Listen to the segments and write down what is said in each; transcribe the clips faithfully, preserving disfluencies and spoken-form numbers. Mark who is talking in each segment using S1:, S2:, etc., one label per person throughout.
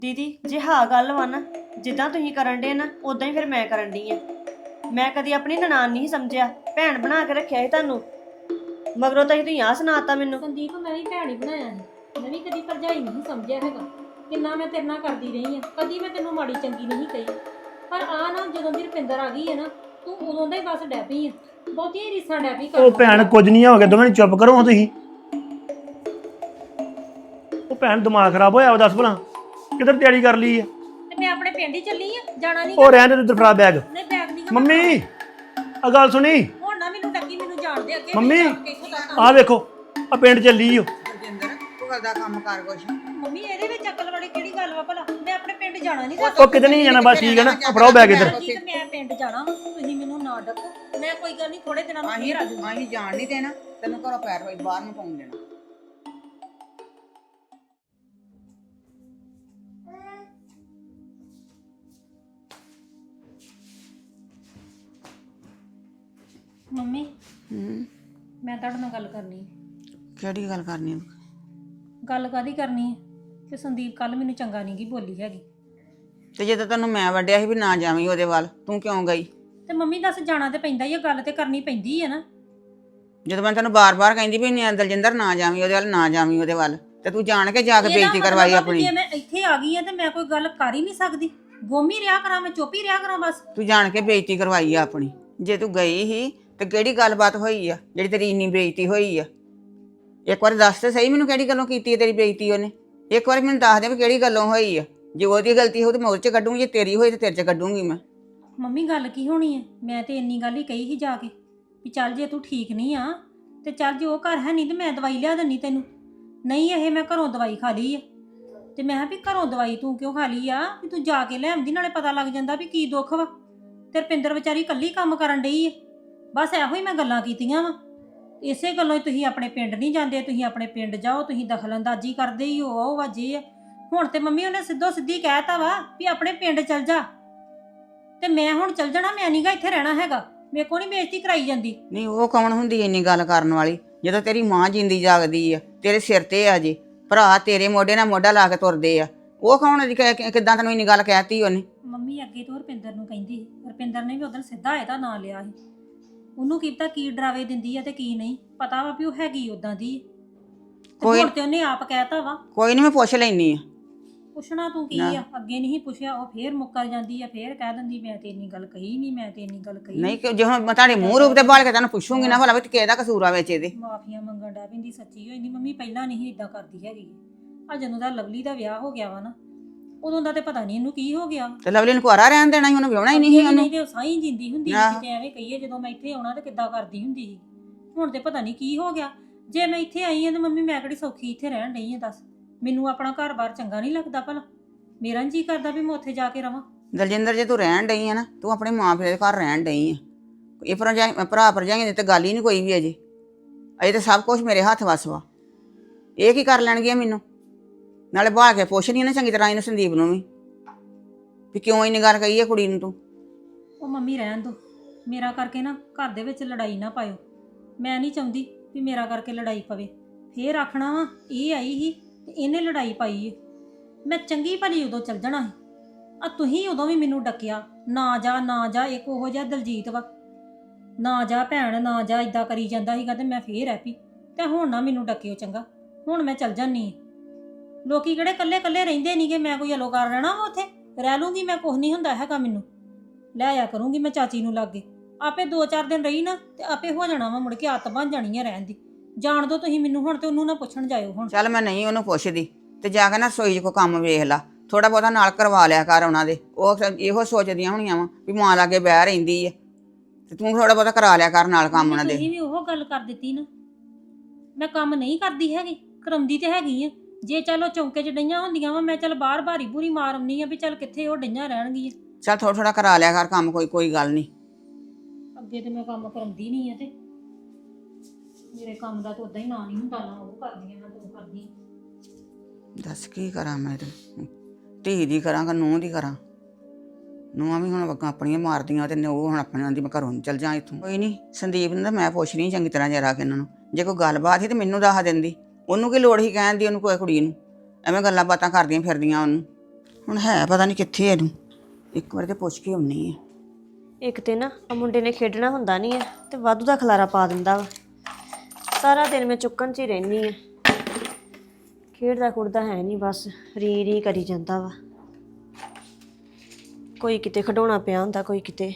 S1: ਦੀਦੀ ਜੇ ਹਾਂ ਗੱਲ ਵਾ ਨਾ, ਜਿੱਦਾਂ ਤੁਸੀਂ ਕਰਨ ਡੇ ਨਾ ਉਦਾਂ ਹੀ ਫਿਰ ਮੈਂ ਕਰਨ ਡਈ ਆ। ਮੈਂ ਕਦੀ ਆਪਣੀ ਨਨਾਣ ਨਹੀਂ ਸਮਝਿਆ, ਭੈਣ ਬਣਾ ਕੇ ਰੱਖਿਆ ਸੀ ਤੁਹਾਨੂੰ, ਮਗਰੋਂ ਤਾਂ ਤੁਸੀਂ ਆਹ ਸੁਣਾਤਾ ਮੈਨੂੰ।
S2: ਸੰਦੀਪ ਮੈਂ ਵੀ ਭੈਣ ਹੀ ਬਣਾਇਆ ਸੀ, ਮੈਂ ਵੀ ਕਦੀ ਭਰਜਾਈ ਨਹੀਂ ਸਮਝਿਆ ਹੈਗਾ। ਕਿੰਨਾ ਮੈਂ ਤੇਰੇ ਨਾਲ ਕਰਦੀ ਰਹੀ ਆ, ਕਦੀ ਮੈਂ ਤੈਨੂੰ ਮਾੜੀ ਚੰਗੀ ਨਹੀਂ ਕਹੀ। ਪਰ ਆ ਨਾ ਜਦੋਂ ਦੀ ਰੁਪਿੰਦਰ ਆ ਗਈ ਹੈ ਨਾ, ਤੂੰ ਉਦੋਂ ਦਾ ਹੀ ਬਸ ਡੈ ਪਈ ਆ, ਬਹੁਤੀਆਂ ਰੀਸਾਂ ਡੈ ਪਈ
S3: ਉਹ ਭੈਣ ਕੁਝ ਨਹੀਂ ਹੋ ਗਿਆ, ਦੋਵੇਂ ਚੁੱਪ ਕਰੋ ਹਾਂ ਤੁਸੀਂ। ਉਹ ਭੈਣ ਦਿਮਾਗ ਖਰਾਬ ਹੋਇਆ ਵਾ, ਦੱਸ ਭਲਾ ਕਿੱਧਰ ਤਿਆਰੀ ਕਰ ਲਈ ਆ?
S2: ਤੇ ਮੈਂ ਆਪਣੇ ਪਿੰਡ ਹੀ ਚੱਲੀ ਆ, ਜਾਣਾ ਨਹੀਂ।
S3: ਉਹ ਰਹਿਣ ਦੇ ਤੂੰ ਫੜਾ ਬੈਗ।
S2: ਨਹੀਂ ਬੈਗ ਨਹੀਂ
S3: ਮੰਮੀ ਆ ਗੱਲ ਸੁਣੀ।
S2: ਹੁਣ ਨਾ ਮੈਨੂੰ ਟੱਕੀ, ਮੈਨੂੰ ਜਾਣ ਦੇ ਅੱਗੇ।
S3: ਮੰਮੀ ਆਹ ਵੇਖੋ ਆ ਪਿੰਡ ਚੱਲੀ ਓ।
S4: ਰਜਿੰਦਰ ਤੂੰ ਕਰਦਾ ਕੰਮ ਕਰ ਕੁਛ।
S2: ਮੰਮੀ ਇਹਦੇ ਵਿੱਚ ਅਕਲ ਵਾਲੀ ਕਿਹੜੀ ਗੱਲ ਵਾ ਭਲਾ? ਮੈਂ ਆਪਣੇ ਪਿੰਡ ਜਾਣਾ ਨਹੀਂ।
S3: ਉਹ ਕਿਤੇ ਨਹੀਂ ਜਾਣਾ, ਬਸ ਠੀਕ ਹੈ ਨਾ, ਫੜਾਓ ਬੈਗ ਇੱਧਰ।
S2: ਮੈਂ ਪਿੰਡ ਜਾਣਾ, ਤੁਸੀਂ ਮੈਨੂੰ ਨਾ ਡੱਕੋ। ਮੈਂ ਕੋਈ ਗੱਲ ਨਹੀਂ, ਥੋੜੇ ਦਿਨਾਂ ਨੂੰ ਫੇਰ ਆ ਜਾਊਂਗੀ।
S4: ਅਸੀਂ ਜਾਣ ਨਹੀਂ ਦੇਣਾ ਤੈਨੂੰ, ਘਰੋਂ ਪੈਰ ਹੋਈ ਬਾਹਰ ਨੂੰ ਪਾਉਣ ਦੇਣਾ।
S2: ਮੰਮੀ
S4: ਹੂੰ
S2: ਮੈਂ ਤੁਹਾਡੇ ਨਾਲ ਗੱਲ ਕਰਨੀ ਹੈ।
S4: ਕਿਹੜੀ ਗੱਲ ਕਰਨੀ?
S2: ਗੱਲ ਕਾਦੀ ਕਰਨੀ ਹੈ ਕਿ ਸੰਦੀਪ ਕੱਲ ਮੈਨੂੰ ਚੰਗਾ ਨਹੀਂ ਗੀ ਬੋਲੀ ਹੈਗੀ।
S4: ਤੇ ਜਦੋਂ ਤੈਨੂੰ ਮੈਂ ਵੱਡਿਆ ਸੀ ਵੀ ਨਾ ਜਾਵੀਂ ਉਹਦੇ ਵੱਲ, ਤੂੰ ਕਿਉਂ ਗਈ?
S2: ਤੇ ਮੰਮੀ ਦੱਸ, ਜਾਣਾ ਤੇ ਪੈਂਦਾ ਹੀ ਆ, ਗੱਲ ਤੇ ਕਰਨੀ ਪੈਂਦੀ ਹੈ ਨਾ।
S4: ਜਦੋਂ ਮੈਂ ਤੈਨੂੰ ਬਾਰ-ਬਾਰ ਕਹਿੰਦੀ ਵੀ ਨਹੀਂ ਦਲਜਿੰਦਰ ਨਾ ਜਾਵੀਂ ਉਹਦੇ ਵੱਲ, ਨਾ ਜਾਵੀਂ ਉਹਦੇ ਵੱਲ, ਤੇ ਤੂੰ ਜਾਣ ਕੇ ਜਾ ਕੇ ਬੇਇੱਜ਼ਤੀ ਕਰਵਾਈ ਆਪਣੀ।
S2: ਜੇ ਮੈਂ ਇੱਥੇ ਆ ਗਈ ਆ ਤੇ ਮੈਂ ਕੋਈ ਗੱਲ ਕਰ ਹੀ ਨਹੀਂ ਸਕਦੀ, ਗੋਮੀ ਰਿਆ ਕਰਾਂ, ਮੈਂ ਚੁੱਪ ਹੀ ਰਿਆ ਕਰਾਂ ਬਸ।
S4: ਤੂੰ ਜਾਣ ਕੇ ਬੇਇੱਜ਼ਤੀ ਕਰਵਾਈ ਆ ਆਪਣੀ। ਜੇ ਤੂੰ ਗਈ ਸੀ ਤੇ ਕਿਹੜੀ ਗੱਲਬਾਤ ਹੋਈ ਆ ਜਿਹੜੀ ਤੇਰੀ ਇੰਨੀ ਬੇਇੱਜ਼ਤੀ ਹੋਈ ਆ? ਇੱਕ ਵਾਰ ਦੱਸ ਤੇ ਸਹੀ ਮੈਨੂੰ, ਕਿਹੜੀ ਗੱਲੋਂ ਕੀਤੀ ਹੈ ਤੇਰੀ ਬੇਇੱਜ਼ਤੀ ਉਹਨੇ? ਇੱਕ ਵਾਰ ਮੈਨੂੰ ਦੱਸ ਦੇ ਵੀ ਕਿਹੜੀ ਗੱਲੋਂ ਹੋਈ ਆ। ਜੇ ਉਹਦੀ ਗਲਤੀ ਹੋਊ ਤੇ ਮੈਂ ਉਹਦੇ ਚ ਕੱਢੂੰਗੀ, ਜੇ ਤੇਰੀ ਹੋਈ ਤੇ ਤੇਰੇ ਚ ਕੱਢੂੰਗੀ ਮੈਂ।
S2: ਮੰਮੀ ਗੱਲ ਕੀ ਹੋਣੀ ਹੈ? ਮੈਂ ਤੇ ਇੰਨੀ ਗੱਲ ਹੀ ਕਹੀ ਸੀ ਜਾ ਕੇ ਵੀ ਚੱਲ ਜੇ ਤੂੰ ਠੀਕ ਨਹੀਂ ਆ ਤੇ ਚੱਲ, ਜੇ ਉਹ ਘਰ ਹੈ ਨਹੀਂ ਤੇ ਮੈਂ ਦਵਾਈ ਲਿਆ ਦਿੰਨੀ ਤੈਨੂੰ। ਨਹੀਂ, ਇਹ ਮੈਂ ਘਰੋਂ ਦਵਾਈ ਖਾ ਲਈ ਆ। ਤੇ ਮੈਂ ਕਿਹਾ ਵੀ ਘਰੋਂ ਦਵਾਈ ਤੂੰ ਕਿਉਂ ਖਾ ਲਈ ਆ? ਵੀ ਤੂੰ ਜਾ ਕੇ ਲੈ ਆਉਂਦੀ, ਨਾਲੇ ਪਤਾ ਲੱਗ ਜਾਂਦਾ ਵੀ ਕੀ ਦੁੱਖ ਵਾ। ਤੇ ਰੁਪਿੰਦਰ ਵਿਚਾਰੀ ਇਕੱਲੀ ਕੰਮ ਕਰਨ ਡਈ ਆ। ਬਸ ਇਹੋ ਹੀ ਮੈਂ ਗੱਲਾਂ ਕੀਤੀਆਂ ਵਾ। ਇਸੇ ਗੱਲੋਂ ਹੀ ਤੁਸੀਂ ਆਪਣੇ ਪਿੰਡ ਨਹੀਂ ਜਾਂਦੇ। ਤੁਸੀਂ ਆਪਣੇ ਪਿੰਡ ਜਾਓ, ਤੁਸੀਂ ਦਖਲਅੰਦਾਜ਼ੀ ਕਰਦੇ ਹੀ ਹੋ, ਉਹ ਵਜੇ ਆ। ਹੁਣ ਤੇ ਮੰਮੀ ਉਹਨੇ ਸਿੱਧੋ ਸਿੱਧੀ ਕਹਿਤਾ ਵਾ ਵੀ ਆਪਣੇ ਪਿੰਡ ਚਲ ਜਾ, ਤੇ ਮੈਂ ਹੁਣ ਚਲ ਜਾਣਾ, ਮੈਂ ਨਹੀਂਗਾ ਇੱਥੇ ਰਹਿਣਾ ਹੈਗਾ। ਮੇਰੇ ਕੋਲ ਨਹੀਂ ਬੇਇੱਜ਼ਤੀ ਕਰਾਈ ਜਾਂਦੀ।
S4: ਨਹੀਂ, ਉਹ ਕੌਣ ਹੁੰਦੀ ਇੰਨੀ ਗੱਲ ਕਰਨ ਵਾਲੀ? ਜਦੋਂ ਤੇਰੀ ਮਾਂ ਜਿੰਦੀ ਜਾਗਦੀ ਆ, ਤੇਰੇ ਸਿਰ ਤੇ ਆ ਜੇ ਭਰਾ, ਤੇਰੇ ਮੋਢੇ ਨਾਲ ਮੋਢਾ ਲਾ ਕੇ ਤੁਰਦੇ ਆ, ਉਹ ਕੌਣ? ਕਿੱਦਾਂ ਤੈਨੂੰ ਇੰਨੀ ਗੱਲ ਕਹਿਤੀ ਉਹਨੇ?
S2: ਮੰਮੀ ਅੱਗੇ ਤੋਂ ਰੁਪਿੰਦਰ ਨੂੰ ਕਹਿੰਦੀ, ਰੁਪਿੰਦਰ ਨੇ ਵੀ ਉਧਰ ਸਿੱਧਾ ਇਹਦਾ ਨਾਂ ਲਿਆ ਸੀ। ਉਹਨੂੰ ਕੀ ਪਤਾ ਕੀ ਡਰਾਵੇ ਦਿੰਦੀ ਆ ਤੇ ਕੀ ਨਹੀਂ ਪਤਾ ਵਾ ਵੀ ਉਹ ਹੈਗੀ ਉਦਾਂ ਦੀ। ਕੋਈ ਤੇ ਉਹਨੇ ਆਪ ਕਹਿਤਾ ਵਾ।
S4: ਕੋਈ ਨਹੀਂ, ਮੈਂ ਪੁੱਛ ਲੈਣੀ ਆ।
S2: ਪੁੱਛਣਾ ਤੂੰ ਕੀ ਆ? ਅੱਗੇ ਨਹੀਂ ਪੁੱਛਿਆ, ਉਹ ਫੇਰ ਮੁੱਕਰ ਜਾਂਦੀ ਆ, ਫੇਰ ਕਹਿ ਦਿੰਦੀ ਮੈਂ ਤੇ ਇੰਨੀ ਗੱਲ ਕਹੀ ਨਹੀਂ, ਮੈਂ ਤੇ ਇੰਨੀ ਗੱਲ ਕਹੀ
S4: ਨਹੀਂ। ਕਿ ਜੇ ਹੁਣ ਮੈਂ ਤੁਹਾਡੇ ਮੂੰਹ ਰੂਪ ਤੇ ਬਾਲ ਕੇ ਤੈਨੂੰ ਪੁੱਛੂੰਗੀ ਨਾ ਭਲਾ ਵੀ ਕਿਹਦਾ ਕਸੂਰ ਆ ਵਿੱਚ ਇਹਦੇ?
S2: ਮਾਫੀਆਂ ਮੰਗਣ ਡੈ ਪੈਂਦੀ, ਸੱਚੀ ਹੋਈ ਨਹੀਂ ਮੰਮੀ, ਪਹਿਲਾਂ ਨਹੀਂ ਇਦਾਂ ਕਰਦੀ ਹੈਗੀ। ਆ ਜਦੋਂ ਦਾ ਲਵਲੀ ਦਾ ਵਿਆਹ ਹੋ ਗਿਆ ਵਾ ਨਾ, ਉਦੋਂ ਦਾ ਤੇ ਪਤਾ ਨਹੀਂ ਇਹਨੂੰ ਕੀ ਹੋ ਗਿਆ।
S4: ਤੇ ਲਵਲੀ ਨੂੰ ਕੁਆਰਾ ਰਹਿਣ ਦੇਣਾ ਸੀ, ਉਹਨੂੰ ਵਿਆਹਣਾ ਹੀ ਨਹੀਂ ਸੀ।
S2: ਨਹੀਂ ਤੇ ਸਾਈ ਜਿੰਦੀ ਹੁੰਦੀ ਸੀ, ਕਿਤੇ ਐਵੇਂ ਕਹੀਏ ਜਦੋਂ ਮੈਂ ਇੱਥੇ ਆਉਣਾ ਤੇ ਕਿੱਦਾਂ ਕਰਦੀ ਹੁੰਦੀ ਸੀ। ਹੁਣ ਤੇ ਪਤਾ ਨਹੀਂ ਕੀ ਹੋ ਗਿਆ। ਜੇ ਮੈਂ ਇੱਥੇ ਆਈ ਆ ਤੇ ਮੰਮੀ ਮੈਂ ਕਿਹੜੀ ਸੌਖੀ ਇੱਥੇ ਰਹਿਣ ਡਈ ਆ? ਦੱਸ, ਮੈਨੂੰ ਆਪਣਾ ਘਰ-ਬਾਰ ਚੰਗਾ ਨਹੀਂ ਲੱਗਦਾ ਭਲਾ? ਮੇਰਾ ਜੀ ਕਰਦਾ ਵੀ ਮੈਂ ਉੱਥੇ ਜਾ ਕੇ ਰਵਾਂ।
S4: ਦਲਜਿੰਦਰ, ਜੇ ਤੂੰ ਰਹਿਣ ਡਈ ਆ ਨਾ, ਤੂੰ ਆਪਣੇ ਮਾਂ ਪਿਓ ਦੇ ਘਰ ਰਹਿਣ ਡਈ ਆ। ਇਹ ਭਰਜਾਈ ਭਰਾ ਭਰਜਾਈਆਂ ਦੀ ਤੇ ਗੱਲ ਹੀ ਨਹੀਂ ਕੋਈ ਵੀ ਅਜੇ। ਅਜੇ ਤਾਂ ਸਭ ਕੁਝ ਮੇਰੇ ਹੱਥ ਵੱਸ ਵਾ। ਇਹ ਕੀ ਕਰ ਲੈਣਗੀਆਂ ਮੈਨੂੰ? ਨਾਲੇ ਬਾਹਰ ਕੇ ਪੁੱਛਣੀ ਨਾ ਚੰਗੀ ਤਰ੍ਹਾਂ ਇਹਨੂੰ, ਸੰਦੀਪ ਨੂੰ ਵੀ, ਵੀ ਕਿਉਂ ਇੰਨੀ ਗੱਲ ਕਹੀ ਹੈ ਕੁੜੀ ਨੂੰ ਤੂੰ?
S2: ਉਹ ਮੰਮੀ ਰਹਿਣ ਦੋ, ਮੇਰਾ ਕਰਕੇ ਨਾ ਘਰ ਦੇ ਵਿੱਚ ਲੜਾਈ ਨਾ ਪਾਇਓ। ਮੈਂ ਨਹੀਂ ਚਾਹੁੰਦੀ ਵੀ ਮੇਰਾ ਕਰਕੇ ਲੜਾਈ ਪਵੇ। ਫੇਰ ਆਖਣਾ ਵਾ ਇਹ ਆਈ ਸੀ ਤੇ ਇਹਨੇ ਲੜਾਈ ਪਾਈ ਏ। ਮੈਂ ਚੰਗੀ ਭਲੀ ਉਦੋਂ ਚੱਲ ਜਾਣਾ ਸੀ। ਆ ਤੁਸੀਂ ਉਦੋਂ ਵੀ ਮੈਨੂੰ ਡੱਕਿਆ, ਨਾ ਜਾ ਨਾ ਜਾ। ਇੱਕ ਉਹੋ ਜਿਹਾ ਦਲਜੀਤ ਵਾ, ਨਾ ਜਾ ਭੈਣ ਨਾ ਜਾ, ਇਦਾਂ ਕਰੀ ਜਾਂਦਾ ਸੀਗਾ ਤੇ ਮੈਂ ਫੇਰ ਐਪੀ। ਤੇ ਹੁਣ ਨਾ ਮੈਨੂੰ ਡੱਕਿਓ ਚੰਗਾ, ਹੁਣ ਮੈਂ ਚੱਲ ਜਾਨੀ। ਲੋਕੀ ਕਿਹੜੇ ਕੱਲੇ ਕੱਲੇ ਰਹਿੰਦੇ ਨਹੀਂਗੇ, ਮੈਂ ਕੋਈ ਅਲੋ ਕਰ ਰਹਿਣਾ ਵਾ ਉੱਥੇ? ਰਹਿ ਲੂੰਗੀ ਮੈਂ, ਕੁਛ ਨਹੀਂ ਹੁੰਦਾ ਹੈਗਾ ਮੈਨੂੰ। ਲੈ ਆਇਆ ਕਰੂੰਗੀ ਮੈਂ ਚਾਚੀ ਨੂੰ ਲਾਗੇ, ਆਪੇ ਦੋ ਚਾਰ ਦਿਨ ਰਹੀ ਨਾ ਤੇ ਆਪੇ ਹੋ ਜਾਣਾ ਵਾ, ਮੁੜ ਕੇ ਆਦਤ ਬਣ ਜਾਣੀ ਆ ਰਹਿਣ ਦੀ। ਜਾਣ ਦੋ ਤੁਸੀਂ ਮੈਨੂੰ ਹੁਣ, ਤੇ ਉਹਨੂੰ ਨਾ ਪੁੱਛਣ ਜਾਇਓ ਹੁਣ।
S4: ਚੱਲ ਮੈਂ ਨਹੀਂ ਉਹਨੂੰ ਪੁੱਛਦੀ, ਤੇ ਜਾ ਕੇ ਨਾ ਰਸੋਈ 'ਚ ਕੋਈ ਕੰਮ ਵੇਖ ਲਾ, ਥੋੜਾ ਬਹੁਤਾ ਨਾਲ ਕਰਵਾ ਲਿਆ ਕਰ ਉਹਨਾਂ ਦੇ। ਉਹ ਇਹੋ ਸੋਚਦੀਆਂ ਹੋਣੀਆਂ ਵਾ ਵੀ ਮਾਂ ਲਾਗੇ ਬਹਿ ਰਹਿੰਦੀ ਆ, ਤੇ ਤੂੰ ਥੋੜਾ ਬਹੁਤਾ ਕਰਾ ਲਿਆ ਕਰ ਨਾਲ ਕੰਮ ਉਹਨਾਂ ਦੇ।
S2: ਤੁਸੀਂ ਵੀ ਉਹ ਗੱਲ ਕਰ ਦਿੱਤੀ ਨਾ, ਮੈਂ ਕੰਮ ਨਹੀਂ ਕਰਦੀ ਹੈਗੀ, ਕਰਾਉਂਦੀ ਤੇ ਹੈਗੀ ਆ। ਜੇ ਚਲੋ ਚੌਂਕੇ 'ਚ ਡਈਆਂ ਹੁੰਦੀਆਂ ਵਾ, ਮੈਂ ਚੱਲ ਬਾਹਰ ਭਾਰੀ ਭੂਰੀ ਮਾਰ ਆਉਂਦੀ ਆ ਵੀ ਚੱਲ ਕਿੱਥੇ ਉਹ ਡਈਆਂ ਰਹਿਣਗੀਆਂ।
S4: ਚੱਲ ਥੋੜਾ ਥੋੜਾ ਕਰਾ ਲਿਆ ਕਰ ਕੰਮ, ਕੋਈ ਕੋਈ ਗੱਲ ਨਹੀਂ।
S2: ਅੱਗੇ ਤੇ ਮੈਂ ਕੰਮ ਕਰਾਉਂਦੀ ਨਹੀਂ ਆ, ਤੇ ਮੇਰੇ ਕੰਮ ਦਾ ਤਾਂ ਉਦਾਂ ਹੀ ਨਾਂ ਨਹੀਂ ਹੁੰਦਾ, ਨਾ ਉਹ ਕਰਦੀ ਆ ਨਾ ਤੂੰ ਕਰਦੀ।
S4: ਦੱਸ ਕੀ ਕਰਾਂ ਮੈਂ? ਤੇ ਧੀ ਦੀ ਕਰਾਂ ਕਿ ਨੂੰਹ ਦੀ ਕਰਾਂ? ਨੂੰਹਾਂ ਵੀ ਹੁਣ ਆਪਣੀਆਂ ਮਾਰਦੀਆਂ ਤੇ ਉਹ ਹੁਣ ਆਪਣੀਆਂ ਦੀ। ਮੈਂ ਘਰੋਂ ਚੱਲ ਜਾ ਇੱਥੋਂ। ਕੋਈ ਨਹੀਂ, ਸੰਦੀਪ ਨੂੰ ਤਾਂ ਮੈਂ ਪੁੱਛ ਰਹੀ ਚੰਗੀ ਤਰ੍ਹਾਂ ਜਰਾ ਕੇ ਇਹਨਾਂ ਨੂੰ। ਜੇ ਕੋਈ ਗੱਲਬਾਤ ਸੀ ਤੇ ਮੈਨੂੰ ਦੱਸ ਦਿੰਦੀ। ਉਹਨੂੰ ਕੀ ਲੋੜ ਸੀ ਕਹਿਣ ਦੀ, ਉਹਨੂੰ ਕੋਈ ਕੁੜੀ ਨੂੰ ਐਵੇਂ ਗੱਲਾਂ ਬਾਤਾਂ ਕਰਦੀਆਂ ਫਿਰਦੀਆਂ ਉਹਨੂੰ। ਹੁਣ ਹੈ ਪਤਾ ਨਹੀਂ ਕਿੱਥੇ ਇਹਨੂੰ, ਇੱਕ ਵਾਰ ਤੇ ਪੁੱਛ ਕੇ ਆਉਣੀ ਆ।
S1: ਇੱਕ ਤੇ ਨਾ ਆ ਮੁੰਡੇ ਨੇ ਖੇਡਣਾ ਹੁੰਦਾ ਨਹੀਂ ਹੈ ਤੇ ਵਾਧੂ ਦਾ ਖਲਾਰਾ ਪਾ ਦਿੰਦਾ ਵਾ। ਸਾਰਾ ਦਿਨ ਮੈਂ ਚੁੱਕਣ 'ਚ ਹੀ ਰਹਿੰਦੀ ਆ। ਖੇਡਦਾ ਕੁੜਦਾ ਹੈ ਨਹੀਂ, ਬਸ ਰੀ ਰੀ ਕਰੀ ਜਾਂਦਾ ਵਾ। ਕੋਈ ਕਿਤੇ ਖਿਡੌਣਾ ਪਿਆ ਹੁੰਦਾ, ਕੋਈ ਕਿਤੇ।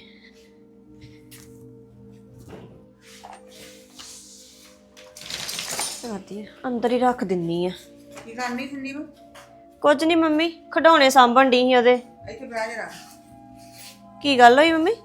S1: ਕਰਦੀ ਆ, ਅੰਦਰ ਹੀ ਰੱਖ ਦਿੰਨੀ ਆ।
S4: ਕੀ ਕਰਨੀ ਸੰਦੀਪ?
S1: ਕੁਝ ਨਹੀਂ ਮੰਮੀ, ਖਿਡੌਣੇ ਸਾਂਭਣ ਡਈ ਸੀ ਉਹਦੇ।
S4: ਇੱਥੇ ਬਹਿ ਜਰਾ।
S1: ਕੀ ਗੱਲ ਹੋਈ ਮੰਮੀ?